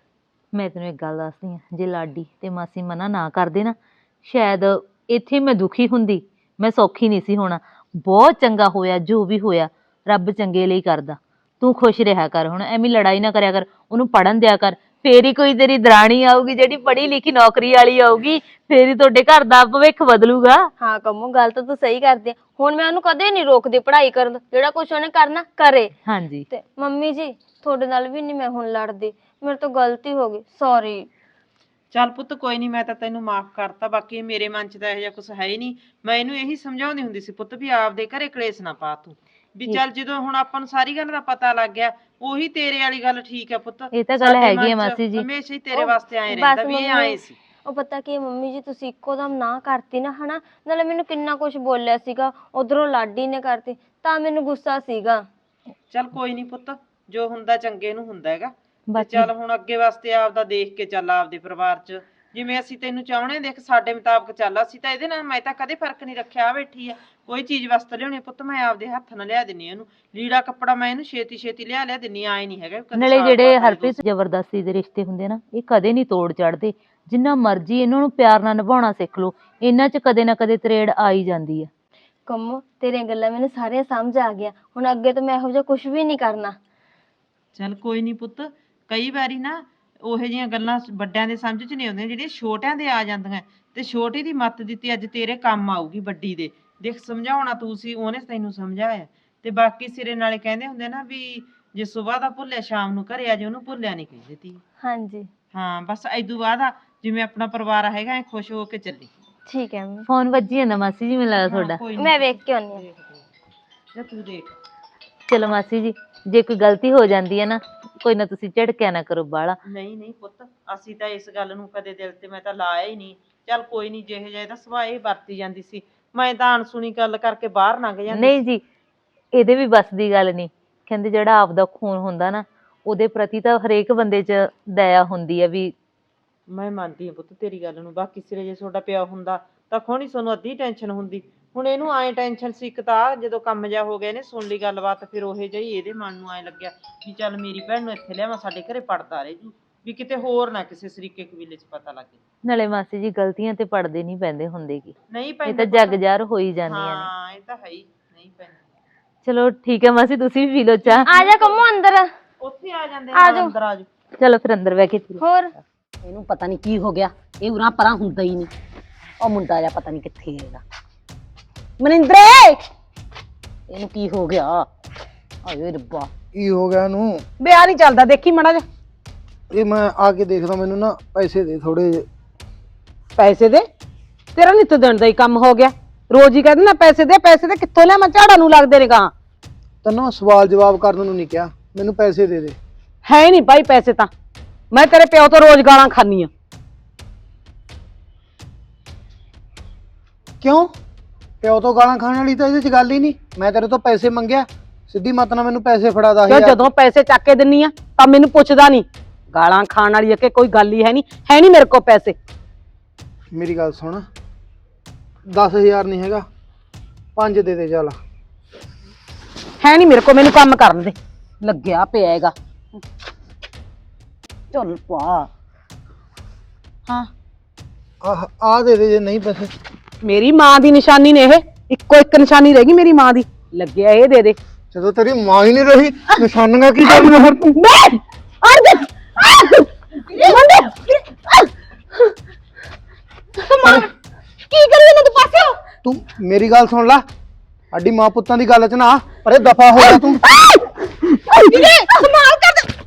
H: ਮੈਂ ਤੈਨੂੰ ਇੱਕ ਗੱਲ ਦੱਸਦੀ ਆ, ਜੇ ਲਾਡੀ ਤੇ ਮਾਸੀ ਮਨਾ ਨਾ ਕਰਦੇ ਨਾ, ਸ਼ਾਇਦ ਇੱਥੇ ਮੈਂ ਦੁਖੀ ਹੁੰਦੀ, ਮੈਂ ਸੌਖੀ ਨਹੀਂ ਸੀ ਹੋਣਾ। ਬਹੁਤ ਚੰਗਾ ਹੋਇਆ ਜੋ ਵੀ ਹੋਇਆ, ਰੱਬ ਚੰਗੇ ਲਈ ਕਰਦਾ। ਤੂੰ ਖੁਸ਼ ਰਿਹਾ ਕਰ, ਹੁਣ ਐਵੇਂ ਲੜਾਈ ਨਾ ਕਰਿਆ ਕਰ, ਉਹਨੂੰ ਪੜ੍ਹਨ ਦਿਆ ਕਰ। ਫੇਰ ਹੀ ਕੋਈ ਤੇਰੀ ਦਰਾਣੀ ਆਊਗੀ ਜਿਹੜੀ ਪੜ੍ਹੀ ਲਿਖੀ ਨੌਕਰੀ ਵਾਲੀ ਆਊਗੀ, ਫੇਰ ਹੀ ਤੁਹਾਡੇ ਘਰ ਦਾ ਭਵਿੱਖ ਬਦਲੂਗਾ।
I: ਹਾਂ ਕੰਮੋ ਗੱਲ ਤਾਂ ਤੂੰ ਸਹੀ ਕਰਦੀ ਆ। ਹੁਣ ਮੈਂ ਉਹਨੂੰ ਕਦੇ ਨਹੀਂ ਰੋਕਦੀ ਪੜ੍ਹਾਈ ਕਰਨ ਤੋਂ, ਜਿਹੜਾ ਕੁਝ ਉਹਨੇ ਕਰਨਾ ਕਰੇ।
H: ਹਾਂਜੀ
I: ਤੇ ਮੰਮੀ ਜੀ ਤੁਹਾਡੇ ਨਾਲ ਵੀ ਨਹੀਂ ਮੈਂ ਹੁਣ ਲੜਦੀ, ਮੇਰੇ ਤੋਂ ਗਲਤੀ ਹੋ ਗਈ, ਸੌਰੀ।
B: ਚੱਲ ਪੁੱਤ ਕੋਈ ਨਹੀਂ, ਮੈਂ ਤਾਂ ਤੈਨੂੰ ਮਾਫ ਕਰਤਾ। ਬਾਕੀ ਮੇਰੇ ਮਨ 'ਚ ਤਾਂ ਇਹੋ ਜਿਹਾ ਕੁਝ ਹੈ ਹੀ ਨਹੀਂ। ਮੈਂ ਇਹਨੂੰ ਇਹੀ ਸਮਝਾਉਂਦੀ ਹੁੰਦੀ ਸੀ ਪੁੱਤ ਵੀ ਆਪਦੇ ਘਰੇ ਕਲੇਸ਼ ਨਾ ਪਾ ਤੂੰ, ਵੀ ਚੱਲ ਜਦੋਂ ਹੁਣ ਆਪਾਂ ਨੂੰ ਸਾਰੀ ਗੱਲ ਦਾ ਪਤਾ ਲੱਗ ਗਿਆ, ਉਹੀ ਤੇਰੇ ਵਾਲੀ ਗੱਲ ਠੀਕ ਹੈ ਪੁੱਤ।
H: ਇਹ ਤਾਂ ਗੱਲ ਹੈਗੀ ਆ ਮਾਸੀ ਜੀ,
B: ਹਮੇਸ਼ਾ ਹੀ ਤੇਰੇ ਵਾਸਤੇ ਆਏ ਰਹਿੰਦਾ ਵੀ ਇਹ ਆਏ ਸੀ।
I: ਉਹ ਪਤਾ ਕੀ ਮੰਮੀ ਜੀ, ਤੁਸੀਂ ਇੱਕੋ ਦਮ ਨਾ ਕਰਤੀ ਨਾ ਹਨਾ, ਨਾਲੇ ਮੈਨੂੰ ਕਿੰਨਾ ਕੁਝ ਬੋਲਿਆ ਸੀਗਾ, ਉਧਰੋਂ ਲਾਡੀ ਨੇ ਕਰਤੀ, ਤਾਂ ਮੈਨੂੰ ਗੁੱਸਾ ਸੀਗਾ।
B: ਚੱਲ ਕੋਈ ਨਹੀਂ ਪੁੱਤ, ਜੋ ਹੁੰਦਾ ਚੰਗੇ ਨੂੰ ਹੁੰਦਾ ਹੈਗਾ। ਤੇ ਚੱਲ ਹੁਣ ਅੱਗੇ ਵਾਸਤੇ ਆਪਦਾ ਦੇਖ ਕੇ ਚੱਲ, ਆਪਦੇ ਪਰਿਵਾਰ 'ਚ ਜਿਵੇਂ ਅਸੀਂ ਤੈਨੂੰ ਚਾਹੁੰਦੇ, ਦੇਖ ਸਾਡੇ ਮੁਤਾਬਕ ਚੱਲ। ਅਸੀਂ ਤਾਂ ਇਹਦੇ ਨਾਲ, ਮੈਂ ਤਾਂ ਕਦੇ ਫਰਕ ਨਹੀਂ ਰੱਖਿਆ। ਆ ਬੈਠੀ ਆ, ਕੋਈ ਚੀਜ਼ ਵਾਸਤੇ ਲਿਆਉਣੀ ਪੁੱਤ ਮੈਂ ਆਪਦੇ ਹੱਥ ਨਾਲ ਲਿਆ ਦਿੰਨੀ ਆ ਇਹਨੂੰ। ਲੀੜਾ ਕੱਪੜਾ ਮੈਂ ਇਹਨੂੰ ਛੇਤੀ ਛੇਤੀ ਲਿਆ ਲਿਆ ਦਿੰਨੀ, ਆਏ ਨਹੀਂ ਹੈਗਾ ਕਦੇ।
H: ਨਾਲੇ ਜਿਹੜੇ ਹਰਪ੍ਰੀਤ ਜ਼ਬਰਦਸਤੀ ਦੇ ਰਿਸ਼ਤੇ ਹੁੰਦੇ ਨਾ, ਇਹ ਕਦੇ ਨਹੀਂ ਤੋੜ ਚੜਦੇ। ਜਿੰਨਾ ਮਰਜ਼ੀ ਇਹਨਾਂ ਨੂੰ ਪਿਆਰ ਨਾਲ ਨਿਭਾਉਣਾ ਸਿੱਖ ਲਓ, ਇਹਨਾਂ 'ਚ ਕਦੇ ਨਾ ਕਦੇ ਤਰੇੜ ਆ ਹੀ ਜਾਂਦੀ ਆ।
I: ਕੰਮੋ ਤੇਰੀਆਂ ਗੱਲਾਂ ਮੈਨੂੰ ਸਾਰੀਆਂ ਸਮਝ ਆ ਗਿਆ, ਹੁਣ ਅੱਗੇ ਤੋਂ ਮੈਂ ਇਹੋ ਜਿਹਾ ਕੁਝ ਵੀ ਨਹੀਂ ਕਰਨਾ।
B: ਚੱਲ ਕੋਈ ਨਹੀਂ ਪੁੱਤ, ਕਈ ਵਾਰੀ ਨਾ ਉਹੋ ਜਿਹੀਆਂ ਗੱਲਾਂ ਵੱਡਿਆਂ ਦੇ ਸਮਝ 'ਚ ਨਹੀਂ ਆਉਂਦੀਆਂ, ਜਿਹੜੀਆਂ ਛੋਟਿਆਂ ਦੇ ਆ ਜਾਂਦੀਆਂ। ਤੇ ਛੋਟੀ ਦੀ ਮੱਤ ਦਿੱਤੀ ਅੱਜ ਤੇਰੇ ਕੰਮ ਆਊਗੀ ਵੱਡੀ ਦੇ। ਦੇਖ ਸਮਝਾਉਣਾ ਤੂੰ ਸੀ, ਉਹਨੇ ਤੈਨੂੰ ਸਮਝਾਇਆ। ਤੇ ਬਾਕੀ ਸਿਰੇ ਨਾਲੇ ਕਹਿੰਦੇ ਹੁੰਦੇ ਨਾ ਵੀ ਜੇ ਸੁਬਾਹ ਦਾ ਭੁੱਲਿਆ ਸ਼ਾਮ ਨੂੰ ਘਰੇ ਆ ਜੇ, ਉਹਨੂੰ ਭੁੱਲਿਆ ਨਹੀਂ ਕਹਿੰਦੇ ਤੀ।
I: ਹਾਂਜੀ
B: ਹਾਂ ਬਸ ਏਦੂ ਬਾਅਦ ਆ ਜਿਵੇਂ ਆਪਣਾ ਪਰਿਵਾਰ ਹੈਗਾ ਐ ਖੁਸ਼ ਹੋ ਕੇ ਚੱਲੀ।
I: ਠੀਕ ਹੈ ਮੰਮੀ।
H: ਫੋਨ ਵੱਜੀ ਜਾਂਦਾ ਮਾਸੀ ਜੀ, ਮੈਨੂੰ ਲੱਗਦਾ ਤੁਹਾਡਾ।
I: ਮੈਂ ਵੇਖ ਕੇ ਆਉਂਦੀ ਹਾਂ।
B: ਜਾ ਤੂੰ ਦੇਖ।
H: ਚਲੋ ਮਾਸੀ ਜੀ, ਜੇ ਕੋਈ ਗਲਤੀ ਹੋ ਜਾਂਦੀ ਹੈ ਨਾ, ਕੋਈ ਨਾ ਤੁਸੀਂ ਝਿੜਕਿਆ ਨਾ ਕਰੋ ਬਾਹਲਾ।
B: ਨਹੀਂ ਨਹੀਂ ਪੁੱਤ, ਅਸੀਂ ਤਾਂ ਇਸ ਗੱਲ ਨੂੰ ਕਦੇ ਦਿਲ ਤੇ ਮੈਂ ਤਾਂ ਲਾਇਆ ਹੀ ਨਹੀਂ। ਚੱਲ ਕੋਈ ਨਹੀਂ, ਜਿਹੇ ਜਿਹੇ ਦਾ ਸੁਭਾਅ ਇਹ ਵਰਤੀ ਜਾਂਦੀ ਸੀ, ਮੈਂ ਤਾਂ ਅਣਸੁਣੀ ਗੱਲ ਕਰਕੇ ਬਾਹਰ ਲੰਘ ਜਾਂਦੀ।
H: ਨਹੀਂ ਜੀ, ਇਹਦੇ ਵੀ ਬਸ ਦੀ ਗੱਲ ਨਹੀਂ। ਕਹਿੰਦੇ ਜਿਹੜਾ ਆਪਦਾ ਖੂਨ ਹੁੰਦਾ ਨਾ, ਉਹਦੇ ਪ੍ਰਤੀ ਤਾਂ ਹਰੇਕ ਬੰਦੇ 'ਚ ਦਇਆ ਹੁੰਦੀ ਹੈ ਵੀ।
B: ਮੈਂ ਮੰਨਦੀ ਹਾਂ ਪੁੱਤ ਤੇਰੀ ਗੱਲ ਨੂੰ। ਬਾਕੀ ਸਿਰੇ ਜੇ ਤੁਹਾਡਾ ਪਿਆ ਹੁੰਦਾ ਤਾਂ ਖੋਣੀ ਤੁਹਾਨੂੰ ਅੱਧੀ ਟੈਨਸ਼ਨ ਹੁੰਦੀ।
J: ਹੁਣ ਇਹਨੂੰ ਐ ਟੈਨਸ਼ਨ ਸੀ ਇੱਕ ਤਾਂ ਜਦੋਂ ਕੰਮ ਜਾ ਹੋ ਗਿਆ ਇਹਨੇ ਸੁਣ ਲਈ ਗੱਲਬਾਤ ਫਿਰ ਉਹੇ ਜਿਹੀ ਇਹਦੇ ਮਨ ਨੂੰ ਐ ਲੱਗਿਆ ਵੀ ਚੱਲ ਮੇਰੀ ਭੈਣ ਨੂੰ ਇੱਥੇ ਲਿਆਵਾਂ ਸਾਡੇ ਘਰੇ ਪੜਦਾ ਰਹੇ ਜੂ ਵੀ ਕਿਤੇ ਹੋਰ ਨਾ ਕਿਸੇ ਸਰੀਕੇ ਕਬੀਲੇ 'ਚ ਪਤਾ ਲੱਗੇ।
H: ਨਾਲੇ ਮਾਸੀ ਜੀ ਗਲਤੀਆਂ ਤੇ ਪੜਦੇ ਨਹੀਂ ਪੈਂਦੇ ਹੁੰਦੇ ਕੀ,
J: ਨਹੀਂ
H: ਇਹ
J: ਪੈਂਦੇ
H: ਤਾਂ ਜਗ ਜ਼ਾਹਰ ਹੋ ਹੀ ਜਾਂਦੀਆਂ ਨੇ।
J: ਹਾਂ ਇਹ ਤਾਂ ਹੈ ਹੀ ਨਹੀਂ ਪੈਂਦੇ।
H: ਚਲੋ ਠੀਕ ਹੈ ਮਾਸੀ, ਤੁਸੀਂ ਵੀ ਪੀ ਲਓ ਚਾਹ।
I: ਆ ਜਾ ਕੰਮੋ ਅੰਦਰ।
J: ਉੱਥੇ ਆ ਜਾਂਦੇ
I: ਆ
J: ਨੇ
I: ਜਾਓ।
J: ਅੰਦਰ ਆ ਜਾਓ।
H: ਚਲੋ ਫਿਰ ਅੰਦਰ ਬਹਿ ਕੇ ਪੀ ਲਓ।
I: ਹੋਰ
B: ਇਹਨੂੰ ਪਤਾ ਨਹੀਂ ਕੀ ਹੋ ਗਿਆ, ਇਹ ਉਰਾਂ ਪਰਾਂ ਹੁੰਦਾ ਹੀ ਨਹੀਂ। ਉਹ ਮੁੰਡਾ ਜਿਹਾ ਪਤਾ ਨਹੀਂ ਕਿੱਥੇ ਹੈਗਾ। ਮਨਿੰਦਰੇ ਇਹਨੂੰ ਕੀ ਹੋ ਗਿਆ? ਆਏ ਰੱਬਾ
E: ਕੀ ਹੋ ਗਿਆ ਇਹਨੂੰ?
B: ਵਿਆਹ ਨਹੀਂ ਚੱਲਦਾ, ਦੇਖੀ ਮੜਾ ਜਾ।
E: ਇਹ ਮੈਂ ਆ ਕੇ ਦੇਖਦਾ, ਮੈਨੂੰ ਨਾ ਪੈਸੇ ਦੇ ਥੋੜੇ ਜਿਹੇ।
B: ਪੈਸੇ ਦੇ? ਤੇਰਾ ਨਿੱਤ ਦਿਨ ਦਾ ਹੀ ਕੰਮ ਹੋ ਗਿਆ, ਰੋਜ਼ ਹੀ ਕਹਿੰਦੇ ਨਾ ਪੈਸੇ ਦੇ ਪੈਸੇ ਦੇ। ਕਿੱਥੋਂ ਲਿਆ? ਮੈਂ ਝਾੜਾਂ ਨੂੰ ਲੱਗਦੇ ਨੇ ਗਾਂ।
E: ਤੈਨੂੰ ਸਵਾਲ ਜਵਾਬ ਕਰਨ ਨੂੰ ਨਹੀਂ ਕਿਹਾ, ਮੈਨੂੰ ਪੈਸੇ ਦੇ ਦੇ।
B: ਹੈ ਨਹੀਂ ਭਾਈ ਪੈਸੇ ਤਾਂ, ਮੈਂ ਤੇਰੇ ਪਿਓ ਤੋਂ ਰੋਜ਼ ਗਾਲਾਂ ਖਾਨੀ ਆ।
E: ਕਿਉਂ? ਪਿਓ ਤੋਂ ਗਾਲਾਂ ਖਾਣ ਵਾਲੀ ਤਾਂ ਇਹਦੇ 'ਚ ਗੱਲ ਹੀ ਨਹੀਂ। ਮੈਂ ਤੇਰੇ ਤੋਂ ਪੈਸੇ ਮੰਗਿਆ, ਸਿੱਧੀ ਮਤ ਨਾਲ ਮੈਨੂੰ ਪੈਸੇ ਫੜਾ ਦਾ।
B: ਕਿਉਂ ਜਦੋਂ ਪੈਸੇ ਚੱਕ ਕੇ ਦਿੰਨੀ ਆ ਤਾਂ ਮੈਨੂੰ ਪੁੱਛਦਾ ਨਹੀਂ? ਗਾਲਾਂ ਖਾਣ ਵਾਲੀ ਆ ਕਿ ਕੋਈ ਗੱਲ ਹੀ ਹੈ ਨਹੀਂ। ਹੈ ਨਹੀਂ ਮੇਰੇ ਕੋਲ ਪੈਸੇ।
E: ਮੇਰੀ ਗੱਲ ਸੁਣ, ਦਸ ਹਜ਼ਾਰ ਨਹੀਂ ਹੈਗਾ, ਪੰਜ ਦੇ ਦੇ ਚੱਲ।
B: ਹੈ ਨਹੀਂ ਮੇਰੇ ਕੋਲ, ਮੈਨੂੰ ਕੰਮ ਕਰਨ ਦੇ। ਲੱਗਿਆ ਪਿਆ ਹੈਗਾ। ਚੱਲ ਪਾ। ਹਾਂ
E: ਆਹ ਆ ਦੇ ਦੇ ਜੇ ਨਹੀਂ ਪੈਸੇ।
B: ਮੇਰੀ ਮਾਂ ਦੀ ਨਿਸ਼ਾਨੀ ਨੇ ਇਹ, ਇੱਕੋ ਇੱਕ ਨਿਸ਼ਾਨੀ ਰਹਿ ਗਈ ਮੇਰੀ ਮਾਂ ਦੀ। ਲੱਗਿਆ ਇਹ ਦੇ ਦੇ।
E: ਜਦੋਂ ਤੇਰੀ ਮਾਂ ਹੀ ਨਹੀਂ ਰਹੀ, ਨਿਸ਼ਾਨੀਆਂ ਕੀ ਕਰਨੀਆਂ ਫਿਰ ਤੂੰ?
B: ਕੀ ਕਰੀ ਇਹਨਾਂ ਦੇ ਪਾਸੇ?
E: ਤੂੰ ਮੇਰੀ ਗੱਲ ਸੁਣ ਲੈ, ਸਾਡੀ ਮਾਂ ਪੁੱਤਾਂ ਦੀ ਗੱਲ 'ਚ ਨਾ ਪਰੇ ਦਫਾ ਹੋ ਜਾ ਤੂੰ।
B: ਕਮਾਲ ਕਰ ਦੇ।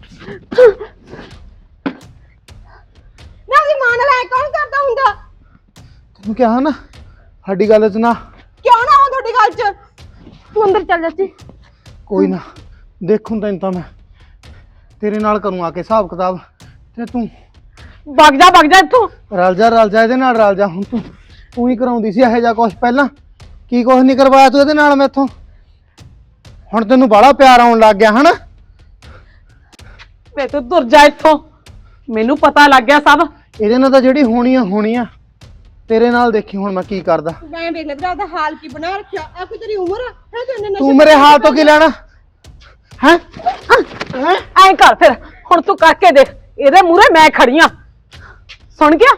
B: ਨਾ ਦੀ ਮਾਂ ਨਾਲ ਐ ਕੌਣ ਕਰਦਾ ਹੁੰਦਾ?
E: ਤੈਨੂੰ ਕਿਹਾ ਨਾ ਸਾਡੀ ਗੱਲ 'ਚ ਨਾ।
B: ਕਿਉਂ ਨਾ ਹੋ ਤੁਹਾਡੀ ਗੱਲ 'ਚ? ਤੂੰ ਅੰਦਰ ਚੱਲ ਜਾ ਸੀ।
E: ਕੋਈ ਨਾ, ਦੇਖੂੰ ਤੈਨੂੰ ਤਾਂ ਮੈਂ ਤੇਰੇ ਨਾਲ ਕਰੂੰ ਆ ਕੇ ਹਿਸਾਬ ਕਿਤਾਬ। ਤੇ ਤੂੰ
B: ਵਗ ਜਾ ਵਗ ਜਾ ਇੱਥੋਂ।
E: ਰਲ ਜਾ ਰਲ ਜਾ ਇਹਦੇ ਨਾਲ ਰਲ ਜਾ। ਹੁਣ ਤੂੰ ਤੂੰ ਹੀ ਕਰਾਉਂਦੀ ਸੀ ਇਹੋ ਜਿਹਾ ਕੁਛ ਪਹਿਲਾਂ, ਕੀ ਕੁਛ ਨਹੀਂ ਕਰਵਾਇਆ ਤੂੰ ਇਹਦੇ ਨਾਲ ਮੈਥੋਂ। ਹੁਣ ਤੈਨੂੰ ਬਾਹਲਾ ਪਿਆਰ ਆਉਣ ਲੱਗ ਗਿਆ ਹਨਾ?
B: ਵੇ ਤੂੰ ਤੁਰ ਜਾ ਇੱਥੋਂ, ਮੈਨੂੰ ਪਤਾ ਲੱਗ ਗਿਆ ਸਭ।
E: ਇਹਦੇ ਨਾਲ ਤਾਂ ਜਿਹੜੀ ਹੋਣੀ ਆ ਹੋਣੀ ਆ, ਤੇਰੇ ਨਾਲ ਦੇਖੀ ਹੁਣ ਮੈਂ ਕੀ ਕਰਦਾ।
A: ਮੈਂ ਵੇਖ ਲੈ ਉਹਦਾ ਹਾਲ ਕੀ ਬਣਾ ਰੱਖਿਆ। ਆ ਕੋਈ ਤੇਰੀ ਉਮਰ ਹੈ ਤੇ ਉਹਨੇ
E: ਤੂੰ ਮੇਰੇ ਹਾਲ ਤੋਂ ਕੀ ਲੈਣਾ ਹੈ?
B: ਐਂ ਕਰ ਫਿਰ, ਹੁਣ ਤੂੰ ਕਰਕੇ ਦੇਖ। ਇਹਦੇ ਮੂਹਰੇ ਮੈਂ ਖੜੀ ਆਂ, ਸੁਣ ਗਿਆ?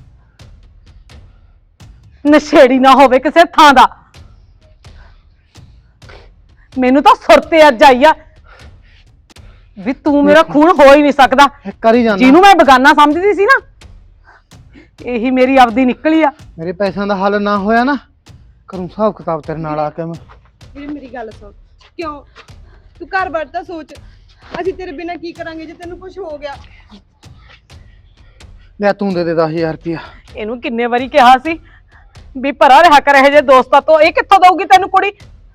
B: ਨਸ਼ੇੜੀ ਨਾ ਹੋਵੇ ਕਿਸੇ ਥਾਂ ਦਾ। ਮੈਨੂੰ ਤਾਂ ਸੁਰਤੇ ਅੱਜ ਆਈ ਆ ਵੀ ਤੂੰ ਮੇਰਾ ਖੂਨ ਹੋ ਹੀ ਨਹੀਂ ਸਕਦਾ।
E: ਕਰੀ ਜਾਂਦਾ
B: ਜਿਹਨੂੰ ਮੈਂ ਬਗਾਨਾ ਸਮਝਦੀ ਸੀ ਨਾ, ਇਹੀ ਮੇਰੀ ਆਪਦੀ ਨਿਕਲੀ ਆ।
E: ਮੇਰੇ ਪੈਸਿਆਂ ਦਾ ਹੱਲ ਨਾ ਹੋਇਆ ਨਾ, ਕਰੂੰ ਹਿਸਾਬ ਕਿਤਾਬ ਤੇਰੇ ਨਾਲ ਆ ਕੇ ਮੈਂ।
A: ਵੀਰੇ ਮੇਰੀ ਗੱਲ ਸੁਣ, ਕਿਉਂ ਤੂੰ ਘਰ ਬਾਰ ਤਾਂ ਸੋਚ। ਅਸੀਂ ਤੇਰੇ ਬਿਨਾਂ ਕੀ ਕਰਾਂਗੇ ਜੇ ਤੈਨੂੰ ਕੁਝ ਹੋ ਗਿਆ?
E: ਲੈ ਤੂੰ ਦੇ ਦੇ ਦਸ ਹਜ਼ਾਰ ਰੁਪਇਆ।
B: ਇਹਨੂੰ ਕਿੰਨੇ ਵਾਰੀ ਕਿਹਾ ਸੀ ਵੀ ਭਰਾ ਰਿਹਾ ਕਰ ਇਹ ਜੇ ਦੋਸਤਾਂ ਤੋਂ। ਇਹ ਕਿੱਥੋਂ ਦਊਗੀ ਤੈਨੂੰ ਕੁੜੀ?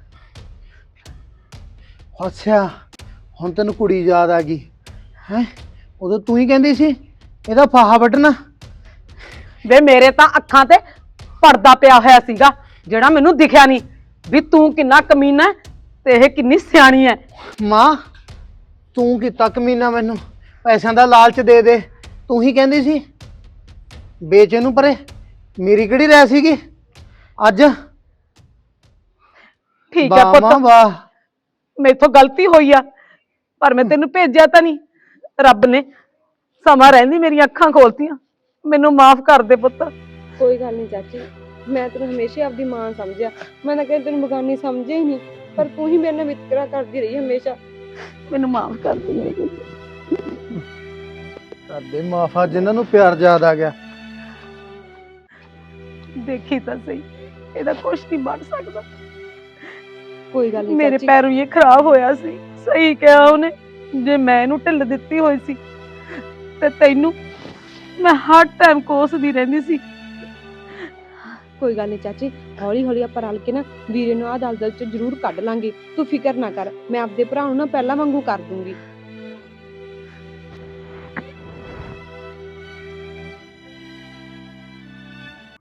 E: ਅੱਛਾ ਹੁਣ ਤੈਨੂੰ ਕੁੜੀ ਯਾਦ ਆ ਗਈ ਹੈ? ਉਦੋਂ ਤੂੰ ਹੀ ਕਹਿੰਦੀ ਸੀ ਇਹਦਾ ਫਾਹਾ ਵੱਢਣਾ।
B: ਵੇ ਮੇਰੇ ਤਾਂ ਅੱਖਾਂ ਤੇ ਪਰਦਾ ਪਿਆ ਹੋਇਆ ਸੀਗਾ, ਜਿਹੜਾ ਮੈਨੂੰ ਦਿਖਿਆ ਨਹੀਂ ਵੀ ਤੂੰ ਕਿੰਨਾ ਕਮੀਨਾ ਹੈ ਤੇ ਇਹ ਕਿੰਨੀ ਸਿਆਣੀ ਹੈ।
E: ਮਾਂ ਤੂੰ ਕੀਤਾ ਕਮੀਨਾ, ਮੈਨੂੰ ਪੈਸਿਆਂ ਦਾ ਲਾਲਚ ਦੇ ਦੇ। ਤੂੰ ਹੀ ਕਹਿੰਦੀ ਸੀ ਵੇਚ ਇਹਨੂੰ ਪਰੇ, ਮੇਰੀ ਕਿਹੜੀ ਰਹਿ ਸੀਗੀ ਅੱਜ?
B: ਠੀਕ ਹੈ
E: ਵਾਹ ਮਾਂ
B: ਪੁੱਤ,
E: ਵਾਹ।
B: ਮੇਥੋਂ ਗਲਤੀ ਹੋਈ ਆ, ਪਰ ਮੈਂ ਤੈਨੂੰ ਭੇਜਿਆ ਤਾਂ ਨਹੀਂ। ਰੱਬ ਨੇ ਸਮਾਂ ਰਹਿੰਦੀ ਮੇਰੀਆਂ ਅੱਖਾਂ ਖੋਲਤੀਆਂ। ਮੈਨੂੰ ਮਾਫ ਕਰ ਦੇ ਪੁੱਤ।
A: ਕੋਈ ਗੱਲ ਨਹੀਂ ਚਾਚੀ, ਮੈਂ ਤੈਨੂੰ ਹਮੇਸ਼ਾ ਆਪਦੀ ਮਾਂ ਸਮਝਿਆ। ਮੈਂ ਤਾਂ ਕਦੇ ਤੈਨੂੰ ਬਗਾਨੀ ਸਮਝਿਆ ਹੀ ਨਹੀਂ, ਪਰ ਤੂੰ ਹੀ ਮੇਰੇ ਨਾਲ ਵਿਤਕਰਾ ਕਰਦੀ ਰਹੀ ਹਮੇਸ਼ਾ।
B: ਮੈਨੂੰ ਮਾਫ ਕਰ ਦੇ।
E: ਸਾਡੇ ਮਾਫਾ ਜਿਨ੍ਹਾਂ ਨੂੰ ਪਿਆਰ ਯਾਦ ਆ ਗਿਆ।
B: ਦੇਖੀ ਤਾਂ ਸਹੀ, ਇਹਦਾ ਕੁਛ ਨਹੀਂ ਬਣ ਸਕਦਾ।
A: ਕੋਈ ਗੱਲ ਨਹੀਂ
B: ਮੇਰੇ
A: ਚਾਚੀ।
B: ਪੈਰੋਂ ਇਹ ਖਰਾਬ ਹੋਇਆ ਸੀ। ਸਹੀ ਕਿਹਾ ਉਹਨੇ, ਜੇ ਮੈਂ ਇਹਨੂੰ ਢਿੱਲ ਦਿੱਤੀ ਹੋਈ ਸੀ ਤੇ ਤੈਨੂੰ ਮੈਂ ਹਰ ਟਾਈਮ ਕੋਸਦੀ ਰਹਿੰਦੀ ਸੀ।
A: ਕੋਈ ਗੱਲ ਨਹੀਂ ਚਾਚੀ, ਹੌਲੀ ਹੌਲੀ ਆਪਾਂ ਰਲ ਕੇ ਨਾ ਵੀਰੇ ਨੂੰ ਆਹ ਦਲਦਲ ਚ ਜ਼ਰੂਰ ਕੱਢ ਲਾਂਗੇ। ਤੂੰ ਫਿਕਰ ਨਾ ਕਰ, ਮੈਂ ਆਪਦੇ ਭਰਾ ਨੂੰ ਨਾ ਪਹਿਲਾਂ ਵਾਂਗੂ ਕਰ ਦੂੰਗੀ।